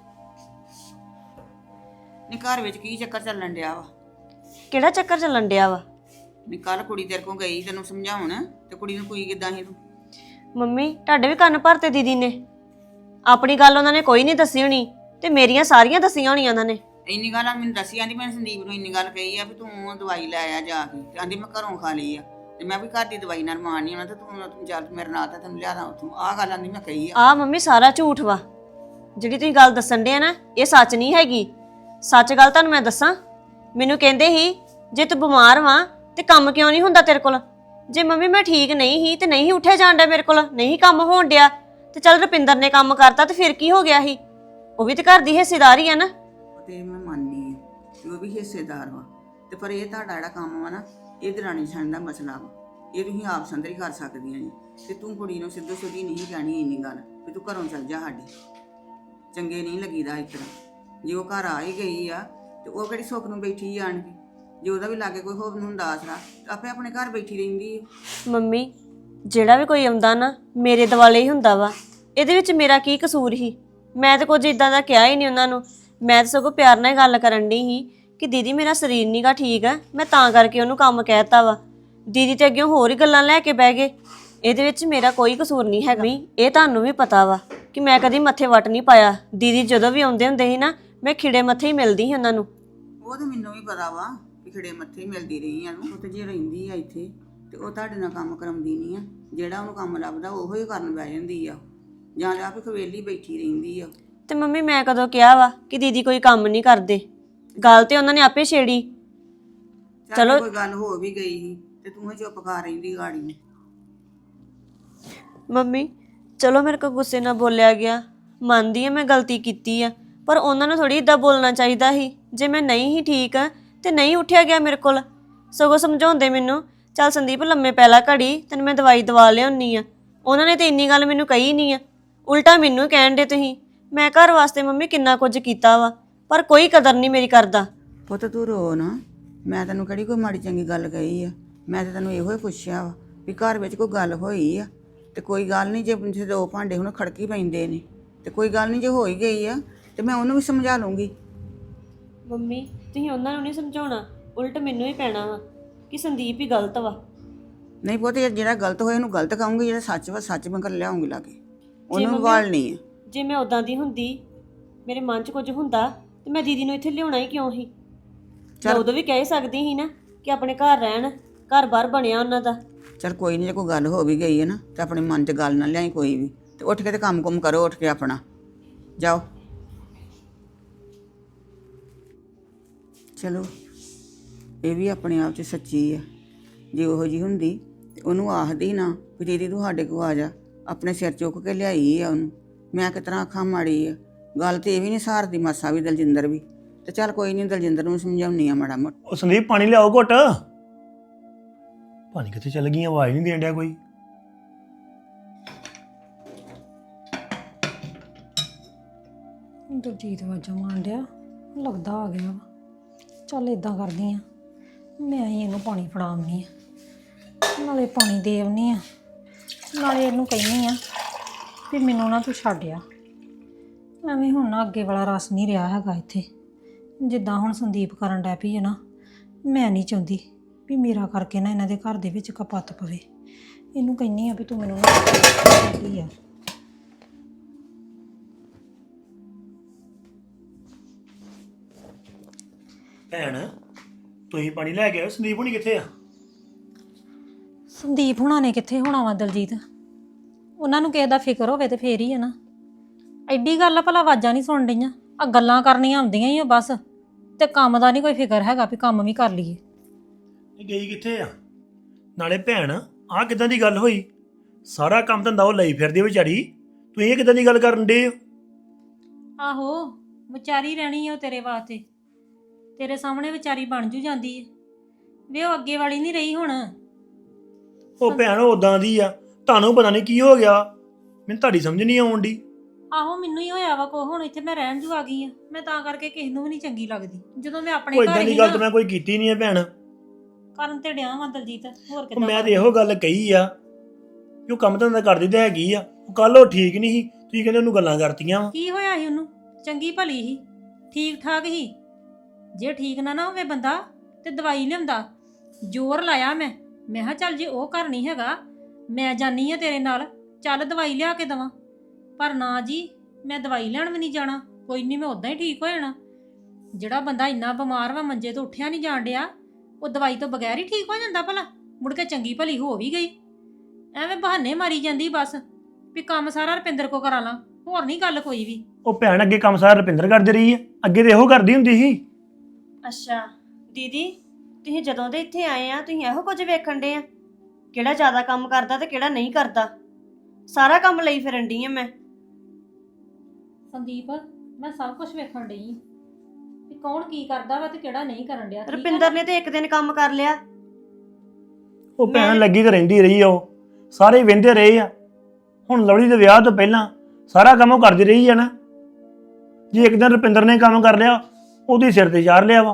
S4: ਨੀ ਘਰ ਵਿੱਚ ਕੀ ਚੱਕਰ ਚੱਲਣ ਡਿਆ ਵਾ?
S1: ਕਿਹੜਾ ਚੱਕਰ ਚੱਲਣ ਡਿਆ ਵਾ?
S4: ਨੀ ਕੱਲ ਕੁੜੀ ਤੇਰੇ ਕੋਲ ਗਈ ਤੈਨੂੰ ਸਮਝਾਉਣ, ਤੇ ਕੁੜੀ ਨੂੰ ਕੋਈ ਕਿੱਦਾਂ ਸੀ ਤੂੰ?
S1: ਮੰਮੀ ਤੁਹਾਡੇ ਵੀ ਕੰਨ ਭਰਤੇ ਦੀਦੀ ਨੇ। ਆਪਣੀ ਗੱਲ ਉਹਨਾਂ ਨੇ ਕੋਈ ਨਹੀਂ ਦੱਸੀ ਹੋਣੀ ਤੇ ਮੇਰੀਆਂ ਸਾਰੀਆਂ ਦੱਸੀਆਂ ਹੋਣੀਆਂ ਉਹਨਾਂ ਨੇ।
S4: ਇੰਨੀ ਗੱਲ ਆ ਮੈਨੂੰ ਦੱਸੀ, ਆਂਦੀ ਮੈਂ ਸੰਦੀਪ ਨੂੰ ਇੰਨੀ ਗੱਲ ਕਹੀ ਆ ਵੀ ਤੂੰ ਦਵਾਈ ਲੈ ਆ ਜਾ ਕੇ, ਤੇ ਆਂਦੀ ਮੈਂ ਘਰੋਂ ਖਾ ਲਈ ਆ, ਤੇ ਮੈਂ ਵੀ ਘਰ ਦੀ ਦਵਾਈ ਨਾਲ ਮਾਣ ਨਹੀਂ ਆਉਣਾ, ਤੇ ਤੂੰ ਤੂੰ ਚੱਲ ਮੇਰੇ ਨਾਲ, ਤਾਂ ਤੈਨੂੰ ਲਿਆਦਾ ਉੱਥੋਂ। ਆਹ ਗੱਲ ਆਂਦੀ ਮੈਂ ਕਹੀ ਆ।
S1: ਆ ਮੰਮੀ ਸਾਰਾ ਝੂਠ ਵਾ। ਜਿਹੜੀ ਤੁਸੀਂ ਗੱਲ ਦੱਸਣ ਦੇ ਆ ਨਾ, ਇਹ ਸੱਚ ਨਹੀਂ ਹੈਗੀ। ਸੱਚ ਗੱਲ ਤੁਹਾਨੂੰ ਮੈਂ ਦੱਸਾਂ, ਮੈਨੂੰ ਕਹਿੰਦੇ ਸੀ ਜੇ ਤੂੰ ਬਿਮਾਰ ਵਾਂ ਤੇ ਕੰਮ ਕਿਉਂ ਨਹੀਂ ਹੁੰਦਾ ਤੇਰੇ ਕੋਲ। ਜੇ ਮੰਮੀ ਮੈਂ ਠੀਕ ਨਹੀਂ ਸੀ ਤੇ ਨਹੀਂ ਉੱਠਿਆ ਜਾਣ ਡਿਆ ਮੇਰੇ ਕੋਲ, ਨਹੀਂ ਕੰਮ ਹੋਣ ਡਿਆ, ਤੇ ਚੱਲ ਰੁਪਿੰਦਰ ਨੇ ਕੰਮ ਕਰਤਾ ਤੇ ਫਿਰ ਕੀ ਹੋ ਗਿਆ ਸੀ? ਉਹ ਵੀ ਤੇ ਘਰ ਦੀ ਹਿੱਸੇਦਾਰੀ ਆ ਨਾ।
S4: ਤੇ ਮੈਂ ਮੰਨਨੀ ਆ ਕਿ ਉਹ ਵੀ ਹਿੱਸੇਦਾਰ ਵਾ, ਤੇ ਪਰ ਇਹ ਤੁਹਾਡਾ ਜਿਹੜਾ ਕੰਮ ਵਾ ਨਾ, ਇਹ ਦਰਾਣੀ ਛੱਡਣ ਦਾ ਮਸਲਾ ਵਾ। ਇਹ ਤੁਸੀਂ ਆਪ ਸੰਦਰੀ ਕਰ ਸਕਦੀਆਂ ਜੀ। ਤੇ ਤੂੰ ਕੁੜੀ ਨੂੰ ਸਿੱਧੋ ਸਿੱਧੀ ਨਹੀਂ ਕਹਿਣੀ ਇੰਨੀ ਗੱਲ ਵੀ ਤੂੰ ਘਰੋਂ ਚੱਲ ਜਾ ਸਾਡੇ। ਚੰਗੇ ਨਹੀਂ ਲੱਗੀਦਾ ਇਸ ਤਰ੍ਹਾਂ। ਜੇ ਉਹ ਘਰ ਆ ਹੀ ਗਈ ਆ ਤੇ ਉਹ ਕਿਹੜੀ ਸੁੱਖ ਨੂੰ ਬੈਠੀ ਆਣ ਕੇ? ਜੇ ਉਹਦਾ ਵੀ ਲਾਗੇ ਕੋਈ ਹੋਵੇ ਨੂੰ ਆਸਰਾ, ਆਪੇ ਆਪਣੇ ਘਰ ਬੈਠੀ ਰਹਿੰਦੀ ਹੈ।
S1: ਮੰਮੀ ਜਿਹੜਾ ਵੀ ਕੋਈ ਆਉਂਦਾ ਨਾ ਮੇਰੇ ਦਿਵਾਲੇ ਹੀ ਹੁੰਦਾ ਵਾ। ਇਹਦੇ ਵਿੱਚ ਮੇਰਾ ਕੀ ਕਸੂਰ ਸੀ? ਮੈਂ ਤਾਂ ਕੁਝ ਇਦਾਂ ਦਾ ਕਿਹਾ ਹੀ ਨਹੀਂ ਉਹਨਾਂ ਨੂੰ। ਮੈਂ ਤਾਂ ਸਗੋਂ ਪਿਆਰ ਨਾਲ ਗੱਲ ਕਰਨ ਡਈ ਸੀ ਕਿ ਦੀਦੀ ਮੇਰਾ ਸਰੀਰ ਨੀਗਾ ਠੀਕ ਆ, ਮੈਂ ਤਾਂ ਕਰਕੇ ਉਹਨੂੰ ਕੰਮ ਕਹਿਤਾ ਵਾ। ਦੀਦੀ ਤੇ ਅੱਗੇ ਹੋਰ ਹੀ ਗੱਲਾਂ ਲੈ ਕੇ ਬਹਿ ਗਏ। ਇਹਦੇ ਵਿੱਚ ਮੇਰਾ ਕੋਈ ਕਸੂਰ ਨਹੀਂ ਹੈਗਾ। ਇਹ ਤੁਹਾਨੂੰ ਵੀ ਪਤਾ ਵਾ ਕਿ ਮੈਂ ਕਦੀ ਮੱਥੇ ਵੱਟ ਨਹੀਂ ਪਾਇਆ। ਦੀਦੀ ਜਦੋਂ ਵੀ ਆਉਂਦੇ ਹੁੰਦੇ ਸੀ ਨਾ, ਮੈਂ ਖਿੜੇ ਮੱਥੇ ਹੀ ਮਿਲਦੀ ਸੀ ਉਹਨਾਂ ਨੂੰ।
S4: ਉਹ ਤਾਂ ਮੈਨੂੰ ਵੀ ਪਤਾ ਵਾ ਕਿ ਖਿੜੇ ਮੱਥੇ ਹੀ ਮਿਲਦੀ ਰਹੀ ਆ ਨੂੰ। ਉਹ ਤੇ ਜੇ ਰਹਿੰਦੀ ਆ ਇੱਥੇ ਤੇ ਉਹ ਤੁਹਾਡੇ ਨਾਲ ਕੰਮ ਕਰਾਉਂਦੀ ਨਹੀਂ ਆ। ਜਿਹੜਾ ਉਹਨੂੰ ਕੰਮ ਲੱਭਦਾ ਉਹੋ ਹੀ ਕਰਨ ਬਹਿ ਜਾਂਦੀ ਆ, ਜਾਂ ਆਪ ਹੀ ਖਵੇਲੀ ਬੈਠੀ ਰਹਿੰਦੀ ਆ।
S1: ਤੇ ਮੰਮੀ ਮੈਂ ਕਦੋਂ ਕਿਹਾ ਵਾ ਕਿ ਦੀਦੀ ਕੋਈ ਕੰਮ ਨਹੀਂ ਕਰਦੇ? ਗੱਲ ਤੇ ਉਹਨਾਂ ਨੇ ਆਪੇ ਛੇੜੀ।
S4: ਚਲੋ ਕੋਈ ਗੱਲ ਹੋ ਵੀ ਗਈ ਸੀ ਤੇ ਤੂੰ ਹੀ ਚੁੱਪ ਕਰ ਰਹਿੰਦੀ ਗਾੜੀ ਨੂੰ।
S1: ਮੰਮੀ ਚਲੋ ਮੇਰੇ ਕੋਲ ਗੁੱਸੇ ਨਾਲ ਬੋਲਿਆ ਗਿਆ, ਮੰਨਦੀ ਆ ਮੈਂ ਗਲਤੀ ਕੀਤੀ ਆ, ਪਰ ਉਹਨਾਂ ਨੂੰ ਥੋੜੀ ਇਦਾਂ ਬੋਲਣਾ ਚਾਹੀਦਾ ਸੀ। ਜੇ ਮੈਂ ਨਹੀਂ ਹੀ ਠੀਕ ਆ ਤੇ ਨਹੀਂ ਉੱਠਿਆ ਗਿਆ ਮੇਰੇ ਕੋਲ, ਸਗੋਂ ਸਮਝਾਉਂਦੇ ਮੈਨੂੰ ਚੱਲ ਸੰਦੀਪ ਲੰਮੇ ਪੈ ਲੈ ਘੜੀ, ਤੈਨੂੰ ਮੈਂ ਦਵਾਈ ਦਵਾ ਲਿਆਉਣੀ ਆ। ਉਹਨਾਂ ਨੇ ਤੇ ਇੰਨੀ ਗੱਲ ਮੈਨੂੰ ਕਹੀ ਨਹੀਂ ਆ, ਉਲਟਾ ਮੈਨੂੰ ਕਹਿਣ ਦੇ ਤੁਸੀਂ। ਮੈਂ ਘਰ ਵਾਸਤੇ ਮੰਮੀ ਕਿੰਨਾ ਕੁਝ ਕੀਤਾ ਵਾ, ਪਰ ਕੋਈ ਕਦਰ ਨਹੀਂ ਮੇਰੀ ਕਰਦਾ।
S4: ਪੁੱਤ ਤੂੰ ਰੋ ਨਾ, ਮੈਂ ਤੈਨੂੰ ਕਿਹੜੀ ਕੋਈ ਮਾੜੀ ਚੰਗੀ ਗੱਲ ਕਹੀ ਆ? ਮੈਂ ਤੇ ਤੈਨੂੰ ਇਹੋ ਹੀ ਪੁੱਛਿਆ ਵਾ ਵੀ ਘਰ ਵਿੱਚ ਕੋਈ ਗੱਲ ਹੋਈ ਆ ਤੇ ਕੋਈ ਗੱਲ ਨਹੀਂ। ਜੇ ਦੋ ਭਾਂਡੇ ਹੁਣ ਖੜਕੀ ਪੈਂਦੇ ਨੇ ਤੇ ਕੋਈ ਗੱਲ ਨਹੀਂ, ਜੇ ਹੋ ਹੀ ਗਈ ਆ ਤੇ ਮੈਂ ਉਹਨੂੰ ਵੀ ਸਮਝਾ ਲੂੰਗੀ।
S1: ਮੰਮੀ ਤੁਸੀਂ ਉਹਨਾਂ ਨੂੰ ਨਹੀਂ ਸਮਝਾਉਣਾ, ਉਲਟ ਮੈਨੂੰ ਹੀ ਪੈਣਾ ਵਾ ਕਿ ਸੰਦੀਪ ਹੀ ਗਲਤ ਵਾ।
S4: ਨਹੀਂ ਪੁੱਤ, ਜਿਹੜਾ ਗਲਤ ਹੋਇਆ ਉਹਨੂੰ ਗਲਤ ਕਹੂੰਗੀ, ਜਿਹੜਾ ਸੱਚ ਵਾ ਸੱਚ ਮੈਂ ਕਰ ਲਿਆਉਂਗੀ ਲਾਗੇ, ਉਹਨੂੰ ਵਾਲਣੀ ਆ।
S1: ਜੇ ਮੈਂ ਉਦਾਂ ਦੀ ਹੁੰਦੀ, ਮੇਰੇ ਮਨ 'ਚ ਕੁਝ ਹੁੰਦਾ, ਤੇ ਮੈਂ ਦੀਦੀ ਨੂੰ ਇੱਥੇ ਲਿਆਉਣਾ ਹੀ ਕਿਉਂ ਸੀ? ਮੈਂ ਉਦੋਂ ਵੀ ਕਹਿ ਸਕਦੀ ਸੀ ਨਾ ਕਿ ਆਪਣੇ ਘਰ ਰਹਿਣ, ਘਰ ਬਾਹਰ ਬਣਿਆ ਉਹਨਾਂ ਦਾ।
S4: ਚਲ ਕੋਈ ਨਹੀਂ, ਜੇ ਕੋਈ ਗੱਲ ਹੋ ਵੀ ਗਈ ਹੈ ਨਾ ਤੇ ਆਪਣੇ ਮਨ 'ਚ ਗੱਲ ਨਾ ਲਿਆਈ ਕੋਈ ਵੀ, ਤੇ ਉੱਠ ਕੇ ਤੇ ਕੰਮ ਕੁਮ ਕਰੋ, ਉੱਠ ਕੇ ਆਪਣਾ ਜਾਓ। ਚਲੋ ਇਹ ਵੀ ਆਪਣੇ ਆਪ 'ਚ ਸੱਚੀ ਆ। ਜੇ ਉਹੋ ਜੀ ਹੁੰਦੀ ਤੇ ਉਹਨੂੰ ਆਖਦੀ ਨਾ ਵੀ ਦੀਦੀ ਤੂੰ ਸਾਡੇ ਕੋਲ ਆ ਜਾ, ਆਪਣੇ ਸਿਰ ਚੁੱਕ ਕੇ ਲਿਆਈ ਆ ਉਹਨੂੰ। ਮੈਂ ਕਿਸ ਤਰ੍ਹਾਂ ਅੱਖਾਂ ਮਾੜੀ ਆ? ਗੱਲ ਤੇ ਇਹ ਵੀ ਨਹੀਂ ਸਹਾਰਦੀ ਮਾਸਾ ਵੀ ਦਲਜਿੰਦਰ ਵੀ। ਤੇ ਚੱਲ ਕੋਈ ਨਹੀਂ, ਦਲਜਿੰਦਰ ਨੂੰ ਸਮਝਾਉਣੀ ਆ ਮਾੜਾ ਮੋਟਾ।
S3: ਉਹ ਸੰਦੀਪ ਪਾਣੀ ਲਿਆਓ ਘੁੱਟ। ਪਾਣੀ ਕਿੱਥੇ ਚੱਲ ਗਈ? ਆਵਾਜ਼ ਨਹੀਂ ਦੇਣ ਡਿਆ ਕੋਈ।
S2: ਦਲਜੀਤ ਵਾਜਾ ਮਾਰਨ ਡਿਆ, ਲੱਗਦਾ ਆ ਗਿਆ ਵਾ। ਚੱਲ ਇਦਾਂ ਕਰਦੀ ਆ, ਮੈਂ ਹੀ ਇਹਨੂੰ ਪਾਣੀ ਫੜਾ ਆਉਂਦੀ ਆ, ਨਾਲੇ ਪਾਣੀ ਦੇ ਆਉਂਦੀ ਆ, ਨਾਲੇ ਇਹਨੂੰ ਕਹਿੰਦੀ ਆ ਵੀ ਮੈਨੂੰ ਨਾ ਤੂੰ ਛੱਡਿਆ। ਐਵੇਂ ਹੁਣ ਨਾ ਅੱਗੇ ਵਾਲਾ ਰਸ ਨਹੀਂ ਰਿਹਾ ਹੈਗਾ ਇੱਥੇ। ਜਿੱਦਾਂ ਹੁਣ ਸੰਦੀਪ ਕਰਨ ਡੈ ਪਈ ਹੈ ਨਾ, ਮੈਂ ਨਹੀਂ ਚਾਹੁੰਦੀ ਵੀ ਮੇਰਾ ਕਰਕੇ ਨਾ ਇਹਨਾਂ ਦੇ ਘਰ ਦੇ ਵਿੱਚ ਕਪੱਤ ਪਵੇ। ਇਹਨੂੰ ਕਹਿੰਦੀ ਆ ਵੀ ਤੂੰ ਮੈਨੂੰ ਨਾ ਕੀ ਆ।
S3: ਭੈਣ ਤੁਸੀਂ ਪਾਣੀ ਲੈ ਕੇ ਆਓ, ਸੰਦੀਪ ਹੁਣੀ ਕਿੱਥੇ ਆ?
S2: ਸੰਦੀਪ ਹੁਣਾਂ ਨੇ ਕਿੱਥੇ ਹੋਣਾ ਵਾ ਦਲਜੀਤ? ਉਹਨਾਂ ਨੂੰ ਕਿਸੇ ਦਾ ਫਿਕਰ ਹੋਵੇ ਤੇ ਫੇਰ ਹੀ ਆ ਨਾ। ਐਡੀ ਗੱਲ ਆ, ਭਲਾ ਆਵਾਜ਼ਾਂ ਨਹੀਂ ਸੁਣ ਡਈਆਂ? ਆ ਗੱਲਾਂ ਕਰਨੀਆਂ ਆਉਂਦੀਆਂ ਹੀ ਆ ਬਸ, ਤੇ ਕੰਮ ਦਾ ਨਹੀਂ ਕੋਈ ਫਿਕਰ ਹੈਗਾ ਵੀ ਕੰਮ ਵੀ ਕਰ ਲਈਏ।
S3: ਇਹ ਗਈ ਕਿੱਥੇ ਆ? ਨਾਲੇ ਭੈਣ ਆਹ ਕਿੱਦਾਂ ਦੀ ਗੱਲ ਹੋਈ? ਸਾਰਾ ਕੰਮ ਧੰਦਾ ਉਹ ਲਈ ਫਿਰਦੀ ਆ ਵਿਚਾਰੀ। ਤੂੰ ਇਹ ਕਿਦਾਂ ਦੀ ਗੱਲ ਕਰਨ ਡੇ ਹੋ?
S2: ਆਹੋ ਵਿਚਾਰੀ ਰਹਿਣੀ ਆ ਉਹ ਤੇਰੇ ਵਾਸਤੇ, ਤੇਰੇ ਸਾਹਮਣੇ ਵਿਚਾਰੀ ਬਣ ਜੂ ਜਾਂਦੀ ਹੈ ਵੇ, ਉਹ ਅੱਗੇ ਵਾਲੀ ਨਹੀਂ ਰਹੀ ਹੁਣ।
S3: ਉਹ ਭੈਣ ਉਦਾਂ ਦੀ ਆ, ਤੁਹਾਨੂੰ ਪਤਾ ਨਹੀਂ ਕੀ ਹੋ ਗਿਆ, ਮੈਨੂੰ ਤੁਹਾਡੀ ਸਮਝ ਨਹੀਂ ਆਉਣ ਦੀ।
S2: ਆਹੋ ਮੈਨੂੰ ਹੀ ਹੋਇਆ ਵਾ ਕੋ, ਹੁਣ ਇੱਥੇ ਮੈਂ ਰਹਿਣ ਜੂ ਆ ਗਈ ਆ, ਮੈਂ ਤਾਂ ਕਰਕੇ ਕਿਸੇ ਨੂੰ ਵੀ ਨਹੀਂ ਚੰਗੀ ਲੱਗਦੀ। ਜਦੋਂ ਮੈਂ ਆਪਣੇ
S3: ਕੋਈ
S2: ਘਰ
S3: ਇਦਾਂ
S2: ਹੀ
S3: ਦੀ ਗੱਲ
S2: ਨਾ
S3: ਤਾਂ ਮੈਂ ਕੋਈ ਕੀਤੀ ਨਹੀਂ ਹੈ ਭੈਣ।
S2: ਕਰਨ ਤੇ ਡਿਆ ਵਾਂ ਦਲਜੀਤ, ਹੋਰ
S3: ਉਹ
S2: ਕਿੱਦਾਂ
S3: ਮੈਂ
S2: ਕਰਾਂ?
S3: ਤੇ ਇਹੋ ਗੱਲ ਕਹੀ ਆ ਕਿ ਉਹ ਕੰਮ ਧੰਦਾ ਕਰਦੀ ਤੇ ਹੈਗੀ ਆ। ਕੱਲ ਉਹ ਠੀਕ ਨਹੀਂ ਸੀ, ਤੁਸੀਂ ਕਹਿੰਦੇ ਉਹਨੂੰ ਗੱਲਾਂ ਕਰਤੀਆਂ ਵਾ।
S2: ਕੀ ਹੋਇਆ ਸੀ ਉਹਨੂੰ? ਚੰਗੀ ਭਲੀ ਸੀ, ਠੀਕ ਠਾਕ ਸੀ। ਜੇ ਠੀਕ ਨਾ ਨਾ ਹੋਵੇ ਬੰਦਾ ਤੇ ਦਵਾਈ ਲਿਆਉਂਦਾ। ਜ਼ੋਰ ਲਾਇਆ ਮੈਂ ਮੈਂ ਕਿਹਾ ਚੱਲ ਜੇ ਉਹ ਘਰ ਨਹੀਂ ਹੈਗਾ ਮੈਂ ਜਾਨੀ ਆ ਤੇਰੇ ਨਾਲ, ਚੱਲ ਦਵਾਈ ਲਿਆ ਕੇ ਦਵਾਂ। ਪਰ ਨਾ ਜੀ, ਮੈਂ ਦਵਾਈ ਲੈਣ ਵੀ ਨਹੀਂ ਜਾਣਾ, ਕੋਈ ਨਹੀਂ ਮੈਂ ਉਦਾਂ ਹੀ ਠੀਕ ਹੋ ਜਾਣਾ। ਜਿਹੜਾ ਬੰਦਾ ਇੰਨਾ ਬਿਮਾਰ ਵਾ, ਮੰਜੇ ਤੋਂ ਉੱਠਿਆ ਨਹੀਂ ਜਾਣ ਡਿਆ, ਉਹ ਦਵਾਈ ਤੋਂ ਬਗੈਰ ਹੀ ਠੀਕ ਹੋ ਜਾਂਦਾ ਭਲਾ? ਮੁੜ ਕੇ ਚੰਗੀ ਭਲੀ ਹੋ ਵੀ ਗਈ। ਐਵੇਂ ਬਹਾਨੇ ਮਾਰੀ ਜਾਂਦੀ ਬਸ ਵੀ ਕੰਮ ਸਾਰਾ ਰੁਪਿੰਦਰ ਕੋ ਕਰਾ ਲਾਂ, ਹੋਰ ਨਹੀਂ ਗੱਲ ਕੋਈ ਵੀ।
S3: ਉਹ ਭੈਣ ਅੱਗੇ ਕੰਮ ਸਾਰਾ ਰੁਪਿੰਦਰ ਕਰਦੀ ਰਹੀ ਹੈ, ਅੱਗੇ ਤੇ ਇਹੋ ਕਰਦੀ ਹੁੰਦੀ ਸੀ।
S1: ਅੱਛਾ ਦੀਦੀ, ਤੁਸੀਂ ਜਦੋਂ ਦੇ ਇੱਥੇ ਆਏ ਆ ਤੁਸੀਂ ਇਹੋ ਕੁਝ ਵੇਖਣ ਦੇ ਆ ਕਿਹੜਾ ਜ਼ਿਆਦਾ ਕੰਮ ਕਰਦਾ ਤੇ ਕਿਹੜਾ ਨਹੀਂ ਕਰਦਾ? ਸਾਰਾ ਕੰਮ ਲਈ ਫਿਰਨ ਡਈ ਆ ਮੈਂ।
S2: ਸੰਦੀਪ, ਮੈਂ ਸਭ ਕੁਝ ਵੇਖਣ ਡਈ ਆਂ ਵੀ ਕੌਣ ਕੀ ਕਰਦਾ ਵਾ ਤੇ ਕਿਹੜਾ ਨਹੀਂ ਕਰਨ ਡਿਆ। ਠੀਕ ਆ
S1: ਰੁਪਿੰਦਰ
S2: ਨਾ?
S1: ਨੇ ਤੇ ਇੱਕ ਦਿਨ ਕੰਮ ਕਰ ਲਿਆ।
S3: ਉਹ ਭੈਣ
S1: ਮੈਂ-
S3: ਲੱਗੀ ਤਾਂ ਰਹਿੰਦੀ ਰਹੀ ਆ, ਉਹ ਸਾਰੇ ਵਹਿੰਦੇ ਰਹੇ ਆ। ਹੁਣ ਲਵਲੀ ਦੇ ਵਿਆਹ ਤੋਂ ਪਹਿਲਾਂ ਸਾਰਾ ਕੰਮ ਉਹ ਕਰਦੀ ਰਹੀ ਆ ਨਾ। ਜੇ ਇੱਕ ਦਿਨ ਰੁਪਿੰਦਰ ਨੇ ਕੰਮ ਕਰ ਲਿਆ, ਉਹਦੇ ਸਿਰ ਤੇ ਚਾੜ ਲਿਆ ਵਾ।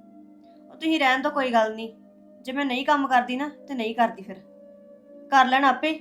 S1: ਉਹ ਤੁਸੀਂ ਰਹਿਣ ਤੋਂ ਕੋਈ ਗੱਲ ਨਹੀਂ, ਜੇ ਮੈਂ ਨਹੀਂ ਕੰਮ ਕਰਦੀ ਨਾ ਤੇ ਨਹੀਂ ਕਰਦੀ, ਫਿਰ ਕਰ ਲੈਣ ਆਪੇ।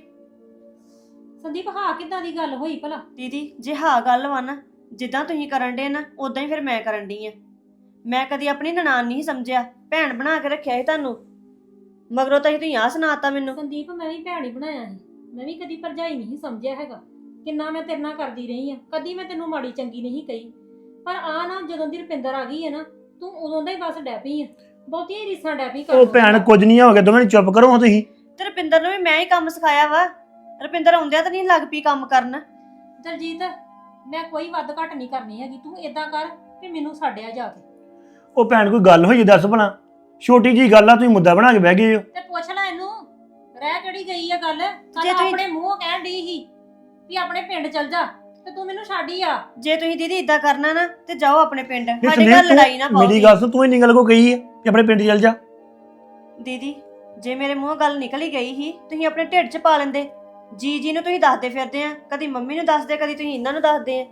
S2: ਸੰਦੀਪ, ਹਾਂ ਕਿੱਦਾਂ ਦੀ ਗੱਲ ਹੋਈ ਭਲਾ?
S1: ਦੀਦੀ ਜੇ ਹਾਂ ਗੱਲ ਵਾ ਨਾ, ਜਿੱਦਾਂ ਤੁਸੀਂ ਕਰਨ ਡੇ ਨਾ ਉਦਾਂ ਹੀ ਫਿਰ ਮੈਂ ਕਰਨ ਡਈ ਆ। ਮੈਂ ਕਦੀ ਆਪਣੀ ਨਨਾਣ ਨਹੀਂ ਸਮਝਿਆ, ਭੈਣ ਬਣਾ ਕੇ ਰੱਖਿਆ ਸੀ ਤੁਹਾਨੂੰ, ਮਗਰੋਂ ਤਾਂ ਤੁਸੀਂ ਆਹ ਸੁਣਾਤਾ ਮੈਨੂੰ।
S2: ਸੰਦੀਪ, ਮੈਂ ਵੀ ਭੈਣ ਹੀ ਬਣਾਇਆ ਸੀ, ਮੈਂ ਵੀ ਕਦੀ ਭਰਜਾਈ ਨਹੀਂ ਸਮਝਿਆ ਹੈਗਾ। ਕਿੰਨਾ ਮੈਂ ਤੇਰੇ ਨਾਲ ਕਰਦੀ ਰਹੀ ਆ, ਕਦੀ ਮੈਂ ਤੈਨੂੰ ਮਾੜੀ ਚੰਗੀ ਨਹੀਂ ਕਹੀ। ਪਰ ਆ ਨਾ, ਜਦੋਂ ਦੀ ਰੁਪਿੰਦਰ ਆ ਗਈ ਹੈ ਨਾ, ਤੂੰ ਉਦੋਂ ਦਾ ਹੀ ਬਸ ਡੈਪੀ ਆ, ਬਹੁਤੀਆਂ ਹੀ ਰੀਸਾਂ ਡੈਪੀ ਕਰ।
S3: ਉਹ ਭੈਣ ਕੁਝ ਨਹੀਂ ਹੋ ਗਿਆ, ਦੋਵੇਂ ਚੁੱਪ ਕਰੋ ਹਾਂ ਤੁਸੀਂ।
S1: ਤੇ ਰੁਪਿੰਦਰ ਨੂੰ ਵੀ ਮੈਂ ਹੀ ਕੰਮ ਸਿਖਾਇਆ ਵਾ। ਰੁਪਿੰਦਰ ਆਉਂਦਿਆਂ ਤਾਂ ਨਹੀਂ ਲੱਗ ਪਈ ਕੰਮ ਕਰਨ।
S2: ਦਲਜੀਤ, ਮੈਂ ਕੋਈ ਵੱਧ ਘੱਟ ਨਹੀਂ ਕਰਨੀ ਹੈਗੀ, ਤੂੰ ਏਦਾਂ ਕਰ ਵੀ ਮੈਨੂੰ ਛੱਡਿਆ ਜਾ ਕੇ।
S3: ਉਹ ਭੈਣ ਕੋਈ ਗੱਲ ਹੋਈ ਦੱਸ ਭਲਾ, ਛੋਟੀ ਜੀ ਗੱਲ ਆ, ਤੁਸੀਂ ਮੁੱਦਾ ਬਣਾ ਕੇ ਬਹਿ ਗਏ ਹੋ।
S2: ਤੇ ਪੁੱਛ ਲੈ ਇਹਨੂੰ, ਰਹਿ ਕਿਹੜੀ ਗਈ ਆ ਗੱਲ? ਕੱਲ
S1: ਜੇ ਤੁਸੀਂ-
S2: ਆਪਣੇ ਮੂੰਹੋਂ ਕਹਿਣ ਡਈ ਸੀ ਵੀ ਆਪਣੇ ਪਿੰਡ ਚੱਲ ਜਾ, ਤੇ ਤੂੰ ਮੈਨੂੰ ਛੱਡ ਹੀ ਆ।
S1: ਜੇ ਤੁਸੀਂ ਦੀਦੀ ਇਦਾਂ ਕਰਨਾ ਨਾ ਤੇ ਜਾਓ ਆਪਣੇ ਪਿੰਡ,
S3: ਨਹੀਂ
S1: ਸਾਡੇ
S3: ਸੰਦੀਪ,
S1: ਘਰ ਲੜਾਈ ਨਾ
S3: ਤੂੰ-
S1: ਪਾਓ।
S3: ਮੇਰੀ ਗੱਲ ਸੁਣ, ਤੂੰ ਇੰਨੀ ਗੱਲ ਕੋ ਕਹੀ ਹੈ ਕਿ ਆਪਣੇ ਪਿੰਡ ਚੱਲ ਜਾ।
S1: ਦੀਦੀ ਜੇ ਮੇਰੇ ਮੂੰਹੋਂ ਗੱਲ ਨਿਕਲ ਹੀ ਗਈ ਸੀ, ਤੁਸੀਂ ਆਪਣੇ ਢਿੱਡ 'ਚ ਪਾ ਲੈਂਦੇ। ਜੀ ਜੀ ਨੂੰ ਤੁਸੀਂ ਦੱਸਦੇ ਫਿਰਦੇ ਆ, ਕਦੀ ਮੰਮੀ ਨੂੰ ਦੱਸਦੇ, ਕਦੀ ਤੁਸੀਂ ਇਹਨਾਂ ਨੂੰ ਦੱਸਦੇ ਆ।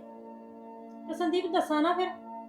S2: ਤੇ ਸੰਦੀਪ ਦੱਸਾਂ ਨਾ, ਫਿਰ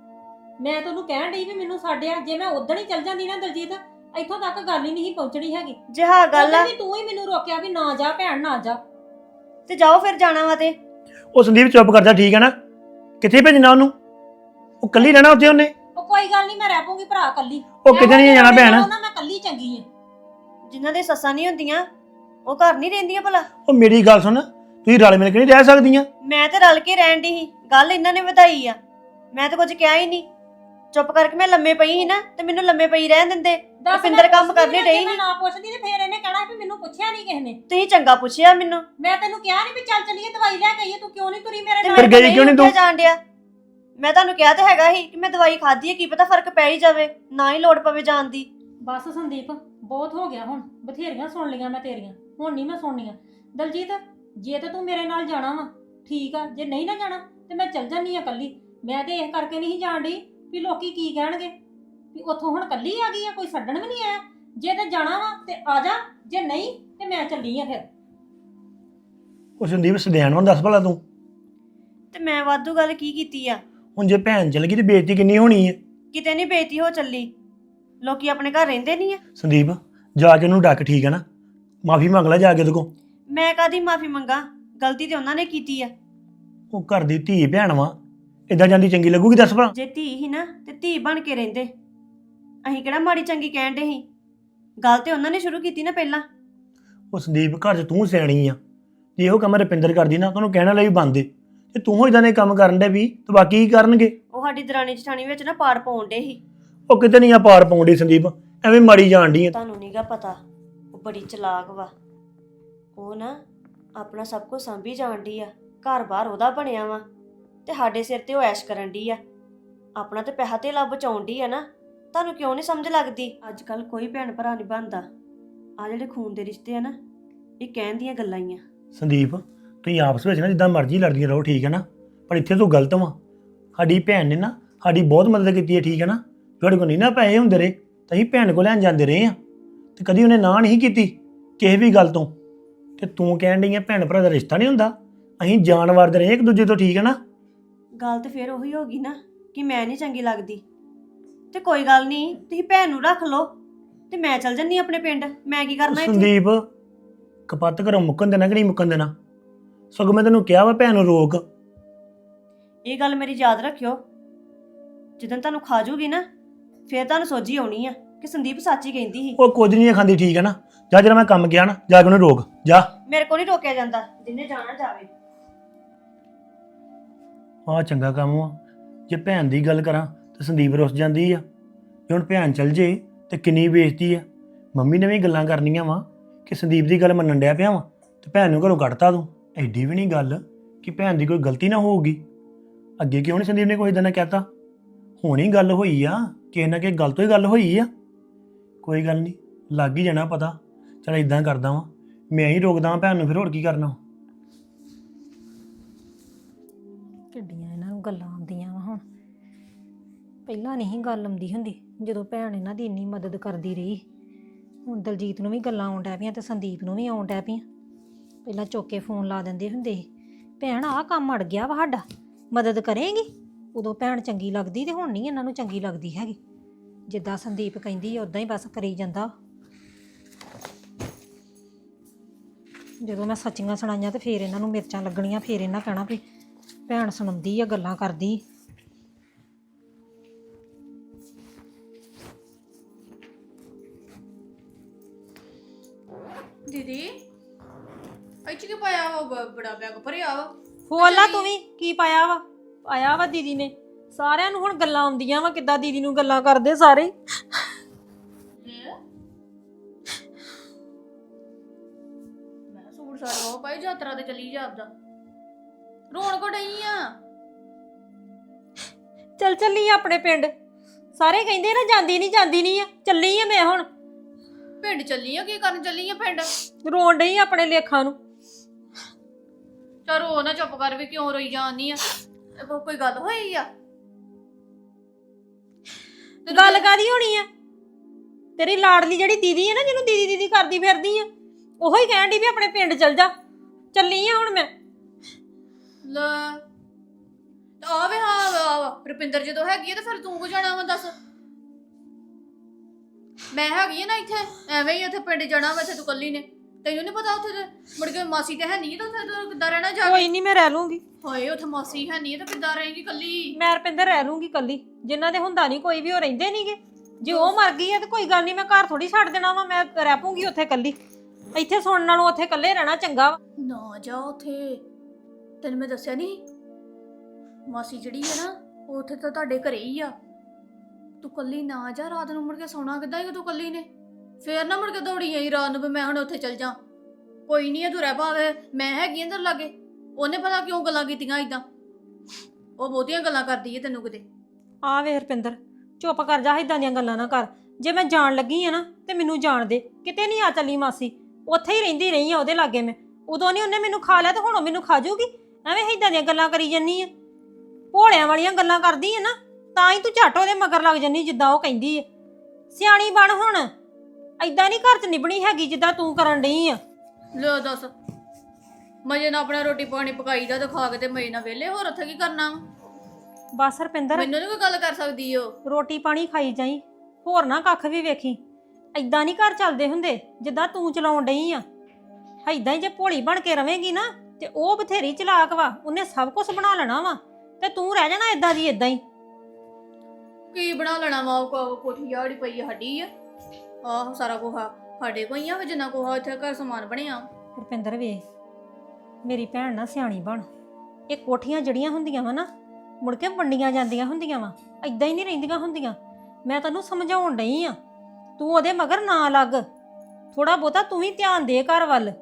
S2: ਮੈਂ ਤੈਨੂੰ ਕਹਿਣ ਡਈ ਵੀ ਮੈਨੂੰ ਛੱਡਿਆ। ਜੇ ਮੈਂ ਉਦਣ ਹੀ ਚੱਲ ਜਾਂਦੀ ਨਾ ਦਲਜੀਤ, ਇੱਥੋਂ ਤੱਕ ਗੱਲ ਹੀ ਨਹੀਂ ਪਹੁੰਚਣੀ ਹੈਗੀ।
S1: ਜੇ ਹਾਂ ਗੱਲ ਆ
S2: ਉਦੋਂ ਵੀ ਤੂੰ ਹੀ ਮੈਨੂੰ ਰੋਕਿਆ ਵੀ ਨਾ ਜਾ ਭੈਣ, ਨਾ ਜਾ।
S1: ਤੇ ਜਾਓ ਫਿਰ, ਜਾਣਾ ਵਾ ਤੇ।
S3: ਉਹ ਸੰਦੀਪ ਚੁੱਪ ਕਰ ਜਾ, ਠੀਕ ਹੈ ਨਾ? ਕਿੱਥੇ ਭੇਜਣਾ ਉਹਨੂੰ? ਉਹ ਕੱਲੀ ਰਹਿਣਾ ਉੱਥੇ ਉਹਨੇ।
S2: ਉਹ ਕੋਈ ਗੱਲ ਨਹੀਂ, ਮੈਂ ਰਹਿ ਪਊਂਗੀ ਭਰਾ ਕੱਲੀ।
S3: ਉਹ ਕਿਤੇ ਨਹੀਂ ਜਾਣਾ ਭੈਣ।
S2: ਨਾ ਮੈਂ ਕੱਲੀ ਚੰਗੀ ਆ।
S1: ਜਿਨ੍ਹਾਂ ਦੇ ਸੱਸਾਂ ਨਹੀਂ ਹੁੰਦੀਆਂ ਉਹ ਘਰ ਨਹੀਂ ਰਹਿੰਦੀਆਂ ਭਲਾ।
S3: ਉਹ ਮੇਰੀ ਗੱਲ ਸੁਣ, ਤੁਸੀਂ ਰਲ ਮਿਲ ਕੇ ਨਹੀਂ ਰਹਿ ਸਕਦੀਆਂ?
S1: ਮੈਂ ਤੇ ਰਲ ਕੇ ਰਹਿਣ ਦੀ ਸੀ, ਗੱਲ ਇਹਨਾਂ ਨੇ ਵਧਾਈ ਆ। ਮੈਂ ਤਾਂ ਕੁਝ ਕਿਹਾ ਹੀ ਨਹੀਂ, ਚੁੱਪ ਕਰਕੇ ਮੈਂ ਲੰਮੇ ਪਈ ਸੀ ਨਾ, ਤੇ ਮੈਨੂੰ ਲੰਮੇ ਪਈ ਰਹਿਣ ਦਿੰਦੇ।
S2: ਦੱਸ,
S1: ਰੁਪਿੰਦਰ
S2: ਮੈਂ
S1: ਕੰਮ
S2: ਪੁੱਛਦੀ
S1: ਕਰਨੇ
S2: ਨਾ,
S1: ਡਈ
S2: ਜੇ ਮੈਂ
S1: ਸੀ।
S2: ਨਾ ਪੁੱਛਦੀ ਤੇ ਫੇਰ ਇਹਨੇ ਕਹਿਣਾ ਵੀ ਮੈਨੂੰ ਪੁੱਛਿਆ ਨਹੀਂ ਕਿਸੇ ਨੇ।
S1: ਤੁਸੀਂ ਚੰਗਾ ਪੁੱਛਿਆ ਮੈਨੂੰ।
S2: ਮੈਂ ਤੈਨੂੰ ਕਿਹਾ ਨਹੀਂ ਵੀ ਚੱਲ ਚੱਲੀਏ ਦਵਾਈ ਲੈ ਕੇ ਆਈਏ, ਤੂੰ ਕਿਉਂ ਨਹੀਂ ਤੁਰੀ ਮੇਰੇ
S1: ਤੇ
S2: ਨਾਲ?
S3: ਫਿਰ
S1: ਮੇਰੇ ਤੋਂ
S3: ਗਈ ਕਿਉਂ ਨੀ
S1: ਉੱਠਿਆ
S3: ਤੂੰ?
S1: ਜਾਣ ਡਿਆ। ਮੈਂ ਤੁਹਾਨੂੰ ਕਿਹਾ ਤੇ ਹੈਗਾ ਸੀ ਕਿ ਮੈਂ ਦਵਾਈ ਖਾਧੀ ਹੈ, ਕੀ ਪਤਾ ਫਰਕ ਪੈ ਹੀ ਜਾਵੇ, ਨਾ ਹੀ ਲੋੜ ਪਵੇ ਜਾਣ ਦੀ।
S2: ਬਸ ਸੰਦੀਪ, ਬਹੁਤ ਹੋ ਗਿਆ ਹੁਣ, ਬਥੇਰੀਆਂ ਸੁਣ ਲਈਆਂ ਮੈਂ ਤੇਰੀਆਂ, ਹੁਣ ਨਹੀਂ ਮੈਂ ਸੁਣਨੀਆਂ। ਦਲਜੀਤ, ਜੇ ਤੇ ਤੂੰ ਮੇਰੇ ਨਾਲ ਜਾਣਾ ਵਾ ਠੀਕ ਆ, ਜੇ ਨਹੀਂ ਨਾ ਜਾਣਾ ਤੇ ਮੈਂ ਚੱਲ ਜਾਨੀ ਆ ਕੱਲੀ। ਮੈਂ ਤੇ ਇਸ ਕਰਕੇ ਨਹੀਂ ਜਾਣ ਡਈ ਵੀ ਲੋਕੀ ਕੀ ਕਹਿਣਗੇ ਵੀ ਉੱਥੋਂ ਹੁਣ ਕੱਲੀ ਆ ਗਈ ਆ, ਕੋਈ ਛੱਡਣ ਵੀ ਨਹੀਂ ਆਇਆ। ਜੇ ਤੇ ਜਾਣਾ ਵਾ ਤੇ ਆ ਜਾ, ਜੇ ਨਹੀਂ ਤੇ ਮੈਂ ਚੱਲੀ ਆ ਫਿਰ।
S3: ਉਹ ਸੰਦੀਪ ਸਦਿਆਣ ਨੂੰ ਦੱਸ ਭਲਾ ਤੂੰ।
S1: ਤੇ ਮੈਂ ਵਾਧੂ ਗੱਲ ਕੀ ਕੀਤੀ ਆ?
S3: ਹੁਣ ਜੇ ਭੈਣ ਚਲ ਗਈ ਤੇ ਬੇਇੱਜ਼ਤੀ ਕਿੰਨੀ ਹੋਣੀ ਹੈ।
S1: ਕਿਤੇ ਨਹੀਂ ਬੇਇੱਜ਼ਤੀ ਹੋ ਚੱਲੀ, ਲੋਕੀ ਆਪਣੇ ਘਰ ਰਹਿੰਦੇ ਨਹੀਂ ਆ।
S3: ਸੰਦੀਪ ਜਾ ਕੇ ਉਹਨੂੰ ਡੱਕ, ਠੀਕ ਹੈ ਨਾ? ਮਾਫੀ ਮੰਗ ਲੈ ਜਾ ਕੇ ਉਹਦੇ ਕੋਲ।
S1: ਮੈਂ ਕਾਦੀ ਮਾਫੀ ਮੰਗਾ, ਗਲਤੀ ਤੇ ਉਹਨਾਂ ਨੇ ਕੀਤੀ ਆ।
S3: ਉਹ ਘਰ ਦੀ ਧੀ ਭੈਣ ਵਾ, ਇਦਾਂ ਜਾਂਦੀ ਚੰਗੀ ਲੱਗੂਗੀ ਦੱਸ ਭਲਾ?
S1: ਜੇ ਧੀ ਹੀ ਨਾ ਤੇ ਧੀ ਬਣ ਕੇ ਰਹਿੰਦੇ। ਅਸੀਂ ਕਿਹੜਾ ਮਾੜੀ ਚੰਗੀ ਕਹਿਣ ਦੇ ਸੀ, ਗੱਲ ਤੇ ਉਹਨਾਂ ਨੇ ਸ਼ੁਰੂ ਕੀਤੀ ਨਾ ਪਹਿਲਾਂ।
S3: ਉਹ ਸੰਦੀਪ ਘਰ 'ਚ ਤੂੰ ਸਿਆਣੀ ਆ, ਜੇ ਇਹੋ ਕੰਮ ਰੁਪਿੰਦਰ ਕਰਦੀ ਨਾ ਤੁਹਾਨੂੰ ਕਹਿਣ ਵਾਲੇ ਵੀ ਬੰਦੇ, ਤੇ ਤੂੰ ਇਦਾਂ ਦੇ ਕੰਮ ਕਰਨ ਦੇ ਵੀ ਤੇ ਬਾਕੀ ਕੀ ਕਰਨਗੇ?
S1: ਉਹ ਸਾਡੀ ਦਰਾਣੀ ਜਠਾਣੀ ਵਿੱਚ ਨਾ ਪਾੜ ਪਾਉਣ ਡੇ ਸੀ।
S3: ਉਹ ਕਿਤੇ ਨਹੀਂ ਆ ਪਾਰ ਪਾਉਂਦੀ ਸੰਦੀਪ, ਐਵੇਂ ਮਾੜੀ ਜਾਣ ਡਈ ਆ।
S1: ਤੁਹਾਨੂੰ ਨੀਗਾ ਪਤਾ, ਉਹ ਬੜੀ ਚਲਾਕ ਵਾ। ਉਹ ਨਾ ਆਪਣਾ ਸਭ ਕੁਝ ਸਾਂਭੀ ਜਾਣ ਡਈ ਆ, ਘਰ-ਬਾਰ ਉਹਦਾ ਬਣਿਆ ਵਾ, ਤੇ ਸਾਡੇ ਸਿਰ ਤੇ ਉਹ ਐਸ਼ ਕਰਨ ਡਈ ਆ। ਆਪਣਾ ਤੇ ਪੈਸਾ ਧੇਲਾ ਬਚਾਉਣ ਡਈ ਆ ਨਾ। ਤੁਹਾਨੂੰ ਕਿਉਂ ਨਹੀਂ ਸਮਝ ਲੱਗਦੀ? ਅੱਜ ਕੱਲ ਕੋਈ ਭੈਣ ਭਰਾ ਨਹੀਂ ਬਣਦਾ। ਆ ਜਿਹੜੇ ਖੂਨ ਦੇ ਰਿਸ਼ਤੇ ਆ ਨਾ, ਇਹ ਕਹਿਣ ਦੀਆਂ ਗੱਲਾਂ ਹੀ ਆ।
S3: ਸੰਦੀਪ ਤੁਸੀਂ ਆਪਸ ਵਿੱਚ ਨਾ ਜਿੱਦਾਂ ਮਰਜ਼ੀ ਲੜਦੀਆਂ ਰਹੋ, ਠੀਕ ਹੈ ਨਾ, ਪਰ ਇੱਥੇ ਤੂੰ ਗਲਤ ਵਾਂ। ਸਾਡੀ ਭੈਣ ਨੇ ਨਾ ਸਾਡੀ ਬਹੁਤ ਮਦਦ ਕੀਤੀ ਹੈ, ਠੀਕ ਹੈ ਨਾ। ਤੁਹਾਡੇ ਕੋਲ ਨਹੀਂ ਨਾ ਪੈਸੇ ਹੁੰਦੇ ਰਹੇ ਤਾਂ ਅਸੀਂ ਭੈਣ ਕੋਲ ਲੈਣ ਜਾਂਦੇ ਰਹੇ ਆ, ਤੇ ਕਦੀ ਉਹਨੇ ਨਾ ਨਹੀਂ ਕੀਤੀ ਕਿਸੇ ਵੀ ਗੱਲ ਤੋਂ। ਤੇ ਤੂੰ ਕਹਿਣ ਡਈ ਆ ਭੈਣ ਭਰਾ ਦਾ ਰਿਸ਼ਤਾ ਨਹੀਂ ਹੁੰਦਾ, ਅਸੀਂ ਜਾਣ ਵਾਰਦੇ ਰਹੇ ਇੱਕ ਦੂਜੇ ਤੋਂ, ਠੀਕ ਹੈ ਨਾ।
S1: ਗੱਲ ਤੇ ਫਿਰ ਉਹੀ ਹੋ ਗਈ ਨਾ ਕਿ ਮੈਂ ਨਹੀਂ ਚੰਗੀ ਲੱਗਦੀ। ਤੇ ਕੋਈ ਗੱਲ ਨਹੀਂ, ਤੁਸੀਂ ਭੈਣ ਨੂੰ ਰੱਖ ਲਓ ਤੇ ਮੈਂ ਚੱਲ ਜੰਨੀ ਆਪਣੇ ਪਿੰਡ। ਮੈਂ ਕੀ ਕਰਨਾ ਇੱਥੇ?
S3: ਸੰਦੀਪ ਕਪੱਤ ਘਰੋਂ ਮੁੱਕਣ ਦੇਣਾ ਕਿ ਨਹੀਂ ਮੁੱਕਣ ਦੇਣਾ? ਸਗੋਂ ਮੈਂ ਤੈਨੂੰ ਕਿਹਾ ਵਾ ਭੈਣ ਨੂੰ ਰੋਕ।
S1: ਇਹ ਗੱਲ ਮੇਰੀ ਯਾਦ ਰੱਖਿਓ, ਜਦੋਂ ਤੁਹਾਨੂੰ ਖਾ ਜੂਗੀ ਨਾ ਫਿਰ ਤੁਹਾਨੂੰ ਸੋਝੀ ਆਉਣੀ ਆ ਕਿ ਸੰਦੀਪ ਸੱਚ ਹੀ ਕਹਿੰਦੀ ਸੀ।
S3: ਉਹ ਕੁਝ ਨਹੀਂ ਖਾਂਦੀ, ਠੀਕ ਹੈ ਨਾ। ਜਾ ਜਿਹੜਾ ਮੈਂ ਕੰਮ ਗਿਆ ਨਾ, ਜਾ ਕੇ ਉਹਨੂੰ ਰੋਕ ਜਾ।
S1: ਮੇਰੇ ਕੋਲ ਨਹੀਂ ਰੋਕਿਆ ਜਾਂਦਾ, ਜਿੰਨੇ ਜਾਣਾ ਜਾਵੇ।
S3: ਆਹ ਚੰਗਾ ਕੰਮ ਆ। ਜੇ ਭੈਣ ਦੀ ਗੱਲ ਕਰਾਂ ਤਾਂ ਸੰਦੀਪ ਰੁੱਸ ਜਾਂਦੀ ਆ। ਜੇ ਹੁਣ ਭੈਣ ਚਲ ਜੇ ਤੇ ਕਿੰਨੀ ਬੇਇੱਜ਼ਤੀ ਆ। ਮੰਮੀ ਨੇ ਵੀ ਗੱਲਾਂ ਕਰਨੀਆਂ ਵਾ ਕਿ ਸੰਦੀਪ ਦੀ ਗੱਲ ਮੰਨਣ ਡਿਆ ਪਿਆ ਵਾ ਤੇ ਭੈਣ ਨੂੰ ਘਰੋਂ ਕੱਢਤਾ ਤੂੰ। ਐਡੀ ਵੀ ਨਹੀਂ ਗੱਲ ਕਿ ਭੈਣ ਦੀ ਕੋਈ ਗਲਤੀ ਨਾ ਹੋਊਗੀ। ਅੱਗੇ ਕਿਉਂ ਨਹੀਂ ਸੰਦੀਪ ਨੇ ਕੋਈ ਇਦਾਂ ਨਾ ਕਹਿਤਾ? ਹੁਣ ਹੀ ਗੱਲ ਹੋਈ ਆ, ਕਿਸੇ ਨਾ ਕਿਸੇ ਗੱਲ ਤੋਂ ਹੀ ਗੱਲ ਹੋਈ ਆ। ਕੋਈ ਗੱਲ ਨਹੀਂ, ਲੱਗ ਹੀ ਜਾਣਾ ਪਤਾ। ਚਲ ਇਦਾਂ ਕਰਦਾ ਵਾਂ, ਮੈਂ ਹੀ ਰੋਕਦਾ ਵਾਂ ਭੈਣ ਨੂੰ, ਫਿਰ ਹੋਰ ਕੀ ਕਰਨਾ।
S2: ਕਿੱਡੀਆਂ ਇਹਨਾਂ ਨੂੰ ਗੱਲਾਂ ਆਉਂਦੀਆਂ ਵਾ ਹੁਣ। ਪਹਿਲਾਂ ਨਹੀਂ ਗੱਲ ਆਉਂਦੀ ਹੁੰਦੀ ਜਦੋਂ ਭੈਣ ਇਹਨਾਂ ਦੀ ਇੰਨੀ ਮਦਦ ਕਰਦੀ ਰਹੀ। ਹੁਣ ਦਲਜੀਤ ਨੂੰ ਵੀ ਗੱਲਾਂ ਆਉਣ ਡੈ ਪਈਆਂ ਤੇ ਸੰਦੀਪ ਨੂੰ ਵੀ ਆਉਣ ਡੈ ਪਈਆਂ। ਪਹਿਲਾਂ ਚੁੱਕ ਕੇ ਫੋਨ ਲਾ ਦਿੰਦੇ ਹੁੰਦੇ ਸੀ, ਭੈਣ ਆਹ ਕੰਮ ਅੜ ਗਿਆ ਵਾ ਸਾਡਾ, ਮਦਦ ਕਰੇਂਗੀ। ਉਦੋਂ ਭੈਣ ਚੰਗੀ ਲੱਗਦੀ ਤੇ ਹੁਣ ਨਹੀਂ ਇਹਨਾਂ ਨੂੰ ਚੰਗੀ ਲੱਗਦੀ ਹੈਗੀ। ਜਿੱਦਾਂ ਸੰਦੀਪ ਕਹਿੰਦੀ ਉਦਾਂ ਹੀ ਬਸ ਕਰੀ ਜਾਂਦਾ। ਜਦੋਂ ਮੈਂ ਸੱਚੀਆਂ ਸੁਣਾਈਆਂ ਤੇ ਫੇਰ ਇਹਨਾਂ ਨੂੰ ਮਿਰਚਾਂ ਲੱਗਣੀਆਂ, ਫੇਰ ਇਹਨਾਂ ਕਹਿਣਾ ਵੀ ਭੈਣ ਸੁਣਾਉਂਦੀ ਆ, ਗੱਲਾਂ ਕਰਦੀ।
S5: ਦੀਦੀ ਇੱਥੇ ਕੀ ਪਾਇਆ ਵਾ? ਬ- ਬੜਾ ਬੈਗ ਭਰਿਆ ਵਾ।
S2: ਫੋਲਾ ਤੂੰ ਵੀ ਕੀ ਪਾਇਆ ਵਾ? ਆਇਆ ਵਾ ਦੀਦੀ ਨੇ। ਸਾਰਿਆਂ ਨੂੰ ਹੁਣ ਗੱਲਾਂ ਆਉਂਦੀਆਂ ਵਾ, ਕਿੱਦਾਂ ਦੀਦੀ ਨੂੰ ਗੱਲਾਂ ਕਰਦੇ ਸਾਰੇ।
S5: ਲੈ ਮੈਂ ਸੂਟ ਸਾਰਾ ਉਹ ਪਾਈ ਯਾਤਰਾ ਤੇ ਚਲੀ ਜਾ ਆਪਦਾ। ਰੋਣ ਕੋ ਡਈ ਆ?
S2: ਚੱਲ ਚੱਲੀ ਆ ਆਪਣੇ ਪਿੰਡ। ਸਾਰੇ ਕਹਿੰਦੇ ਨਾ ਜਾਂਦੀ ਨਹੀਂ ਜਾਂਦੀ ਨਹੀਂ ਆ, ਚੱਲੀ ਆ ਮੈਂ ਹੁਣ।
S5: ਪਿੰਡ ਚੱਲੀ ਆ? ਕੀ ਕਰਨ ਚੱਲੀ ਆ ਪਿੰਡ?
S2: ਰੋਣ ਡਈ ਆ ਆਪਣੇ ਲੇਖਾਂ ਨੂੰ।
S5: ਚਾ ਰੋ ਨਾ, ਚੁੱਪ ਕਰ। ਵੀ ਕਿਉਂ ਰੋਈ ਜਾਂਦੀ ਆ? ਇਹ ਕੋ- ਕੋਈ ਗੱਲ ਹੋਈ ਆ? ਤੈਨੂੰ
S2: ਗੱਲ
S5: ਕੀ-
S2: ਕਾਦੀ ਹੋਣੀ ਆ? ਤੇਰੀ ਲਾਡਲੀ ਜਿਹੜੀ ਦੀਦੀ ਹੈ ਨਾ, ਜਿਹਨੂੰ ਦੀਦੀ ਦੀਦੀ ਕਰਦੀ ਫਿਰਦੀ ਆ, ਉਹੋ ਹੀ ਕਹਿਣ ਡਈ ਵੀ ਆਪਣੇ ਪਿੰਡ ਚੱਲ ਜਾ। ਚੱਲੀ ਆ ਹੁਣ ਮੈਂ।
S5: ਲੈ ਆ ਵੇ, ਹਾਂ ਰੁਪਿੰਦਰ ਜਦੋਂ ਹੈਗੀ ਆ ਤੇ ਫਿਰ ਤੂੰ ਕੋ ਜਾਣਾ ਵਾ? ਦੱਸ, ਮੈਂ ਹੈਗੀ ਆ ਨਾ ਇੱਥੇ। ਐਵੇਂ ਹੀ ਉੱਥੇ ਪਿੰਡ ਜਾਣਾ ਵਾ, ਇੱਥੇ ਤੂੰ ਕੱਲੀ ਨੇ। ਤੈਨੂੰ ਨਹੀਂ ਪਤਾ ਉੱਥੇ ਤੇ ਮੁੜ ਕੇ ਮਾਸੀ ਤੇ ਹੈ ਨਹੀਂ ਤਾਂ ਉੱਥੇ ਤੂੰ ਕਿੱਦਾਂ ਰਹਿਣਾ ਜਾ ਕੇ?
S2: ਕੋਈ ਨਹੀਂ, ਮੈਂ ਰਹਿ ਲੂੰਗੀ।
S5: ਹਾਏ ਉੱਥੇ ਮਾਸੀ ਹੈ ਨਹੀਂ ਤਾਂ ਕਿੱਦਾਂ ਰਹੇਗੀ ਕੱਲੀ?
S2: ਮੈਂ ਰਪਿੰਦਰ ਰਹਿ ਲੂੰਗੀ ਕੱਲੀ। ਜਿਨ੍ਹਾਂ ਦੇ ਹੁੰਦਾ ਨਹੀਂ ਕੋਈ ਵੀ, ਉਹ ਰਹਿੰਦੇ ਨਹੀਂਗੇ। ਜੇ ਉਹ ਮਰ ਗਈ ਹੈ ਤੇ ਕੋਈ ਗੱਲ ਨਹੀਂ, ਮੈਂ ਘਰ ਥੋੜੀ ਛੱਡ ਦੇਣਾ ਵਾ। ਮੈਂ ਰਹਿ ਪੂੰਗੀ ਉੱਥੇ ਕੱਲੀ। ਇੱਥੇ ਸੁਣਨ ਨਾਲੋਂ ਉੱਥੇ ਇਕੱਲੇ ਰਹਿਣਾ ਚੰਗਾ ਵਾ।
S5: ਨਾ ਜਾ ਉੱਥੇ। ਤੈਨੂੰ ਮੈਂ ਦੱਸਿਆ ਨਹੀਂ, ਮਾਸੀ ਜਿਹੜੀ ਹੈ ਨਾ ਉਹ ਉੱਥੇ ਤਾਂ ਤੁਹਾਡੇ ਘਰੇ ਹੀ ਆ। ਤੂੰ ਕੱਲੀ ਨਾ ਜਾ। ਰਾਤ ਨੂੰ ਮੁੜ ਕੇ ਸੌਣਾ ਕਿੱਦਾਂ ਹੀ ਤੂੰ ਕੱਲੀ ਨੇ? ਫੇਰ ਨਾ ਮੁੜ ਕੇ ਦੌੜੀ ਆਈ ਰਾਤ ਨੂੰ ਵੀ ਮੈਂ ਹੁਣ ਉੱਥੇ ਚੱਲ ਜਾ। ਕੋਈ ਨਹੀਂ, ਤੂੰ ਰਹਿ ਭਾਵੇਂ, ਮੈਂ ਹੈਗੀ ਅੰਦਰ ਲਾਗੇ। ਉਹਨੇ ਪਤਾ ਕਿਉਂ ਗੱਲਾਂ ਕੀਤੀਆਂ ਇਦਾਂ। ਉਹ ਬਹੁਤੀਆਂ ਗੱਲਾਂ ਕਰਦੀ ਹੈ ਤੈਨੂੰ ਕਿਤੇ।
S2: ਆ ਵੇ ਰਪਿੰਦਰ, ਚੁੱਪ ਕਰ ਜਾ, ਇਦਾਂ ਦੀਆਂ ਗੱਲਾਂ ਨਾ ਕਰ। ਜੇ ਮੈਂ ਜਾਣ ਲੱਗੀ ਆ ਨਾ ਤੇ ਮੈਨੂੰ ਜਾਣ ਦੇ। ਕਿਤੇ ਨਹੀਂ ਆ ਚੱਲੀ ਮਾਸੀ, ਉੱਥੇ ਹੀ ਰਹਿੰਦੀ ਰਹੀ ਆ ਉਹਦੇ ਲਾਗੇ ਮੈਂ। ਉਦੋਂ ਨਹੀਂ ਉਹਨੇ ਮੈਨੂੰ ਖਾ ਲਿਆ ਤੇ ਹੁਣ ਉਹ ਮੈਨੂੰ ਖਾ ਜੂਗੀ? ਐਵੇਂ ਇਦਾਂ ਦੀਆਂ ਗੱਲਾਂ ਕਰੀ ਜੰਨੀ ਆ, ਭੋਲਿਆਂ ਵਾਲੀਆਂ ਗੱਲਾਂ ਕਰਦੀ ਆ ਨਾ, ਤਾਂ ਹੀ ਤੂੰ ਝੱਟ ਉਹਦੇ ਮਗਰ ਲੱਗ ਜੰਨੀ ਜਿੱਦਾਂ ਉਹ ਕਹਿੰਦੀ ਆ। ਸਿਆਣੀ ਬਣ ਹੁਣ, ਏਦਾਂ ਨਹੀਂ ਘਰ 'ਚ ਨਿਭਣੀ ਹੈਗੀ ਜਿੱਦਾਂ ਤੂੰ ਕਰਨ ਡਈ ਆ।
S5: ਲੈ ਦੱਸ, ਮਜੇ ਨਾਲ ਆਪਣਾ ਰੋਟੀ ਪਾਣੀ ਪਕਾਈਦਾ ਤੇ ਖਾ ਕੇ ਤੇ ਮਜੇ ਨਾਲ ਵਿਹਲੇ। ਹੋਰ ਉੱਥੇ ਕੀ ਕਰਨਾ?
S2: ਬਸ ਰਪਿੰਦਰ,
S5: ਮੈਨੂੰ ਨੀ ਕੋਈ ਗੱਲ ਕਰ ਸਕਦੀ ਉਹ।
S2: ਰੋਟੀ ਪਾਣੀ ਖਾਈ ਜਾਈ, ਹੋਰ ਨਾ ਕੱਖ ਵੀ ਵੇਖੀ। ਏਦਾਂ ਨਹੀਂ ਘਰ ਚੱਲਦੇ ਹੁੰਦੇ ਜਿੱਦਾਂ ਤੂੰ ਚਲਾਉਣ ਡਈ ਆ। ਏਦਾਂ ਹੀ ਜੇ ਭੋਲੀ ਬਣ ਕੇ ਰਵੇਂਗੀ ਨਾ ਤੇ ਉਹ ਬਥੇਰੀ ਚਲਾਕ ਵਾ, ਉਹਨੇ ਸਭ ਕੁਝ ਬਣਾ ਲੈਣਾ ਵਾ ਤੇ ਤੂੰ ਰਹਿ ਜਾਣਾ ਏਦਾਂ ਦੀ ਏਦਾਂ ਹੀ।
S5: ਕੀ ਬਣਾ ਲੈਣਾ ਵਾ? ਉਹ ਕੋਠੀ ਆੜੀ ਪਈ ਆ ਸਾਡੀ ਆ। ਆਹ ਸਾਰਾ ਕੋਹਾ ਸਾਡੇ ਕੋਈ ਆ, ਜਿੰਨਾ ਕੋਹਾ ਇੱਥੇ ਘਰ ਸਮਾਨ ਬਣਿਆ।
S2: ਰੁਪਿੰਦਰ ਵੇ, ਮੇਰੀ ਭੈਣ ਨਾ ਸਿਆਣੀ ਬਣ। ਇਹ ਕੋਠੀਆਂ ਜੜੀਆਂ ਹੁੰਦੀਆਂ ਵਾ ਨਾ, ਮੁੜ ਕੇ ਵੰਡੀਆਂ ਜਾਂਦੀਆਂ ਹੁੰਦੀਆਂ ਵਾ, ਏਦਾਂ ਹੀ ਨਹੀਂ ਰਹਿੰਦੀਆਂ ਹੁੰਦੀਆਂ। ਮੈਂ ਤੈਨੂੰ ਸਮਝਾਉਣ ਡਈ ਆ, ਤੂੰ ਉਹਦੇ ਮਗਰ ਨਾ ਲੱਗ। ਥੋੜਾ ਬਹੁਤਾ ਤੂੰ ਵੀ ਧਿਆਨ ਦੇ ਘਰ ਵੱਲ।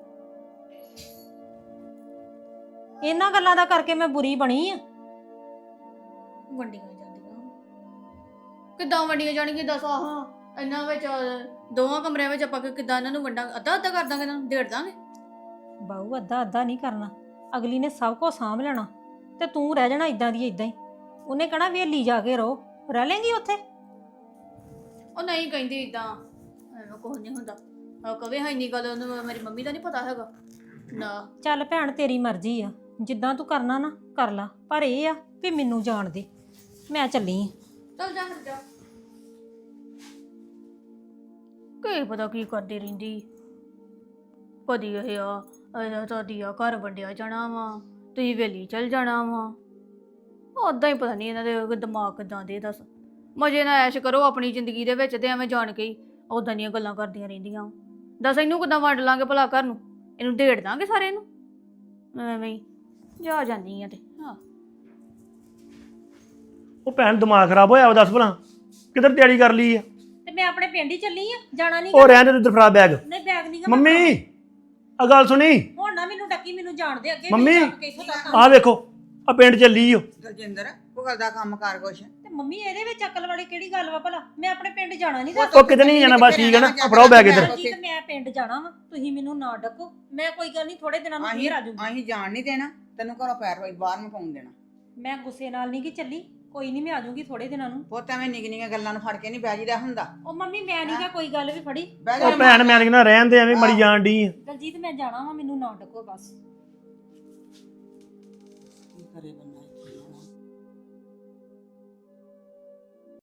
S2: ਇਹਨਾਂ ਗੱਲਾਂ ਦਾ ਕਰਕੇ ਮੈਂ ਬੁਰੀ ਬਣੀ ਆ।
S5: ਵੰਡੀਆਂ ਜਾਂਦੀਆਂ ਕਿੱਦਾਂ? ਵੰਡੀਆਂ ਜਾਣਗੀਆਂ ਦੱਸ। ਆਹ ਇਹਨਾਂ ਵਿੱਚ ਦੋਵਾਂ ਕਮਰਿਆਂ ਵਿੱਚ ਆਪਾਂ ਕਿੱਦਾਂ ਇਹਨਾਂ ਨੂੰ ਵੰਡਾਂ? ਅੱਧਾ ਅੱਧਾ ਕਰ ਦਾਂਗੇ, ਇਹਨਾਂ ਨੂੰ ਡੇਢ ਦਾਂਗੇ।
S2: ਬਾਊ ਅੱਧਾ ਅੱਧਾ ਨਹੀਂ ਕਰਨਾ, ਅਗਲੀ ਨੇ ਸਭ ਕੁਝ ਸਾਂਭ ਲੈਣਾ ਤੇ ਤੂੰ ਰਹਿ ਜਾਣਾ ਇਦਾਂ ਦੀ ਇਦਾਂ ਹੀ। ਉਹਨੇ ਕਹਣਾ ਵੇਲੀ ਜਾ ਕੇ ਰਹੋ, ਰਹਿ ਲੇਂਗੀ ਉੱਥੇ।
S5: ਉਹ ਨਹੀਂ ਕਹਿੰਦੀ ਇਦਾਂ, ਐਵੇਂ ਕੁਝ ਨਹੀਂ ਹੁੰਦਾ। ਉਹ ਕਵੇ ਹਾਂ ਇੰਨੀ ਗੱਲ ਉਹਨੂੰ ਮੇਰੀ ਮੰਮੀ ਦਾ ਨਹੀਂ ਪਤਾ ਹੈਗਾ ਨਾ।
S2: ਚੱਲ ਭੈਣ ਤੇਰੀ ਮਰਜ਼ੀ ਆ, ਜਿੱਦਾਂ ਤੂੰ ਕਰਨਾ ਨਾ ਕਰ ਲਾ, ਪਰ ਇਹ ਆ ਵੀ ਮੈਨੂੰ ਜਾਣ ਦੇ। ਮੈਂ ਚੱਲੀ ਆਂ।
S5: ਚੱਲ ਜਾ ਫਿਰ ਜਾ। ਕੀ ਪਤਾ ਕੀ ਕਰਦੀ ਰਹਿੰਦੀ, ਕਦੀ ਇਹ ਆ ਇਹਦਾ ਤੁਹਾਡੀ ਆ ਘਰ ਵੰਡਿਆ ਜਾਣਾ ਵਾ, ਤੁਸੀਂ ਵੇਲੀ ਚਲ ਜਾਣਾ ਵਾ। ਉਦਾਂ ਹੀ ਪਤਾ ਨਹੀਂ ਇਹਨਾਂ ਦੇ ਦਿਮਾਗ ਕਿਦਾਂ ਦੇ। ਦੱਸ ਮਜ਼ੇ ਨਾਲ ਐਸ਼ ਕਰੋ ਆਪਣੀ ਜ਼ਿੰਦਗੀ ਦੇ ਵਿੱਚ, ਤੇ ਐਵੇਂ ਜਾਣ ਕੇ ਹੀ ਉਦਾਂ ਦੀਆਂ ਗੱਲਾਂ ਕਰਦੀਆਂ ਰਹਿੰਦੀਆਂ। ਦੱਸ ਇਹਨੂੰ ਕਿੱਦਾਂ ਵੰਡ ਲਾਂਗੇ ਭਲਾ ਘਰ ਨੂੰ, ਇਹਨੂੰ ਢੇੜ ਦਾਂਗੇ ਸਾਰੇ ਨੂੰ। ਐਵੇਂ ਹੀ ਜਾ ਜਾਂਦੀ ਆ ਤੇ ਹਾਂ।
S3: ਉਹ ਭੈਣ ਦਿਮਾਗ ਖਰਾਬ ਹੋਇਆ ਵਾ, ਦੱਸ ਭਲਾ ਕਿੱਧਰ ਤਿਆਰੀ ਕਰ ਲਈ ਆ?
S2: ਤੇ ਮੈਂ ਆਪਣੇ ਪਿੰਡ ਹੀ ਚੱਲੀ ਆ, ਜਾਣਾ ਨਹੀਂ।
S3: ਉਹ ਰਹਿਣ ਦੇ ਤੂੰ ਫੜਾ ਬੈਗ।
S2: ਨਹੀਂ ਬੈਗ ਨਹੀਂ
S3: ਮੰਮੀ ਆ ਗੱਲ ਸੁਣੀ।
S2: ਹੁਣ ਨਾ ਮੈਨੂੰ ਡੱਕੀ, ਮੈਨੂੰ ਜਾਣ ਦੇ ਅੱਗੇ।
S3: ਮੰਮੀ
S2: ਮੈਨੂੰ ਚੱਕ ਕੇ ਇੱਥੋਂ ਤੱਕ
S3: ਆ ਵੇਖੋ ਆ ਪਿੰਡ ਚੱਲੀ ਓ।
S4: ਦਲਜਿੰਦਰ ਕੋ ਕਰਦਾ ਕੰਮ ਕਰ ਕੁਛ।
S2: ਤੇ ਮੰਮੀ ਇਹਦੇ ਵਿੱਚ ਅਕਲ ਵਾਲੀ ਕਿਹੜੀ ਗੱਲ ਵਾ ਭਲਾ? ਮੈਂ ਆਪਣੇ ਪਿੰਡ ਜਾਣਾ ਨਹੀਂ।
S3: ਉਹ ਕਿਤੇ ਨਹੀਂ ਜਾਣਾ, ਬਸ ਠੀਕ ਹੈ ਨਾ। ਫੜਾਓ ਬੈਗ ਇੱਧਰ।
S2: ਜੀ ਤੇ ਮੈਂ ਪਿੰਡ ਜਾਣਾ ਵਾ, ਤੁਸੀਂ ਮੈਨੂੰ ਨਾ ਡੱਕੋ। ਮੈਂ ਕੋਈ ਗੱਲ ਨਹੀਂ, ਥੋੜੇ ਦਿਨਾਂ ਨੂੰ
S4: ਅਸੀਂ
S2: ਫੇਰ ਆ ਜਾਊਂਗੀ।
S4: ਅਸੀਂ ਜਾਣ ਨਹੀਂ ਦੇਣਾ ਤੈਨੂੰ, ਘਰੋਂ ਪੈਰ ਬਾਹਰ ਨੂੰ ਪਾਉਣ ਦੇਣਾ।
S2: ਮੈਂ ਗੁੱਸੇ ਨਾਲ ਨਹੀਂ ਕਿ ਚੱਲੀ, ਕੋਈ ਨਹੀਂ ਮੈਂ ਆ ਜਾਊਂਗੀ ਥੋੜੇ ਦਿਨਾਂ ਨੂੰ।
S4: ਪੁੱਤ ਐਵੇਂ ਨਿੱਕ ਨਿੱਕੀਆਂ ਗੱਲਾਂ ਨੂੰ ਫੜ ਕੇ ਨਹੀਂ ਬਹਿ ਜੀਦਾ ਹੁੰਦਾ।
S2: ਉਹ ਮੰਮੀ ਮੈਂ ਨਹੀਂ ਗਾ ਕੋਈ ਗੱਲ ਵੀ ਫੜੀ।
S4: ਬਹਿ
S3: ਉਹ ਭੈਣ ਮੈਂ ਕਹਿੰਦਾ ਰਹਿਣ ਦੇ, ਐਵੇਂ ਮੜੀ ਜਾਣ ਡਈ ਆ।
S2: ਦਲਜੀਤ ਮੈਂ ਜਾਣਾ ਵਾ, ਮੈਨੂੰ ਨਾ ਡੱਕੋ ਬਸ।
S4: ਕੀ ਕਰੇ ਬੰਦਾ।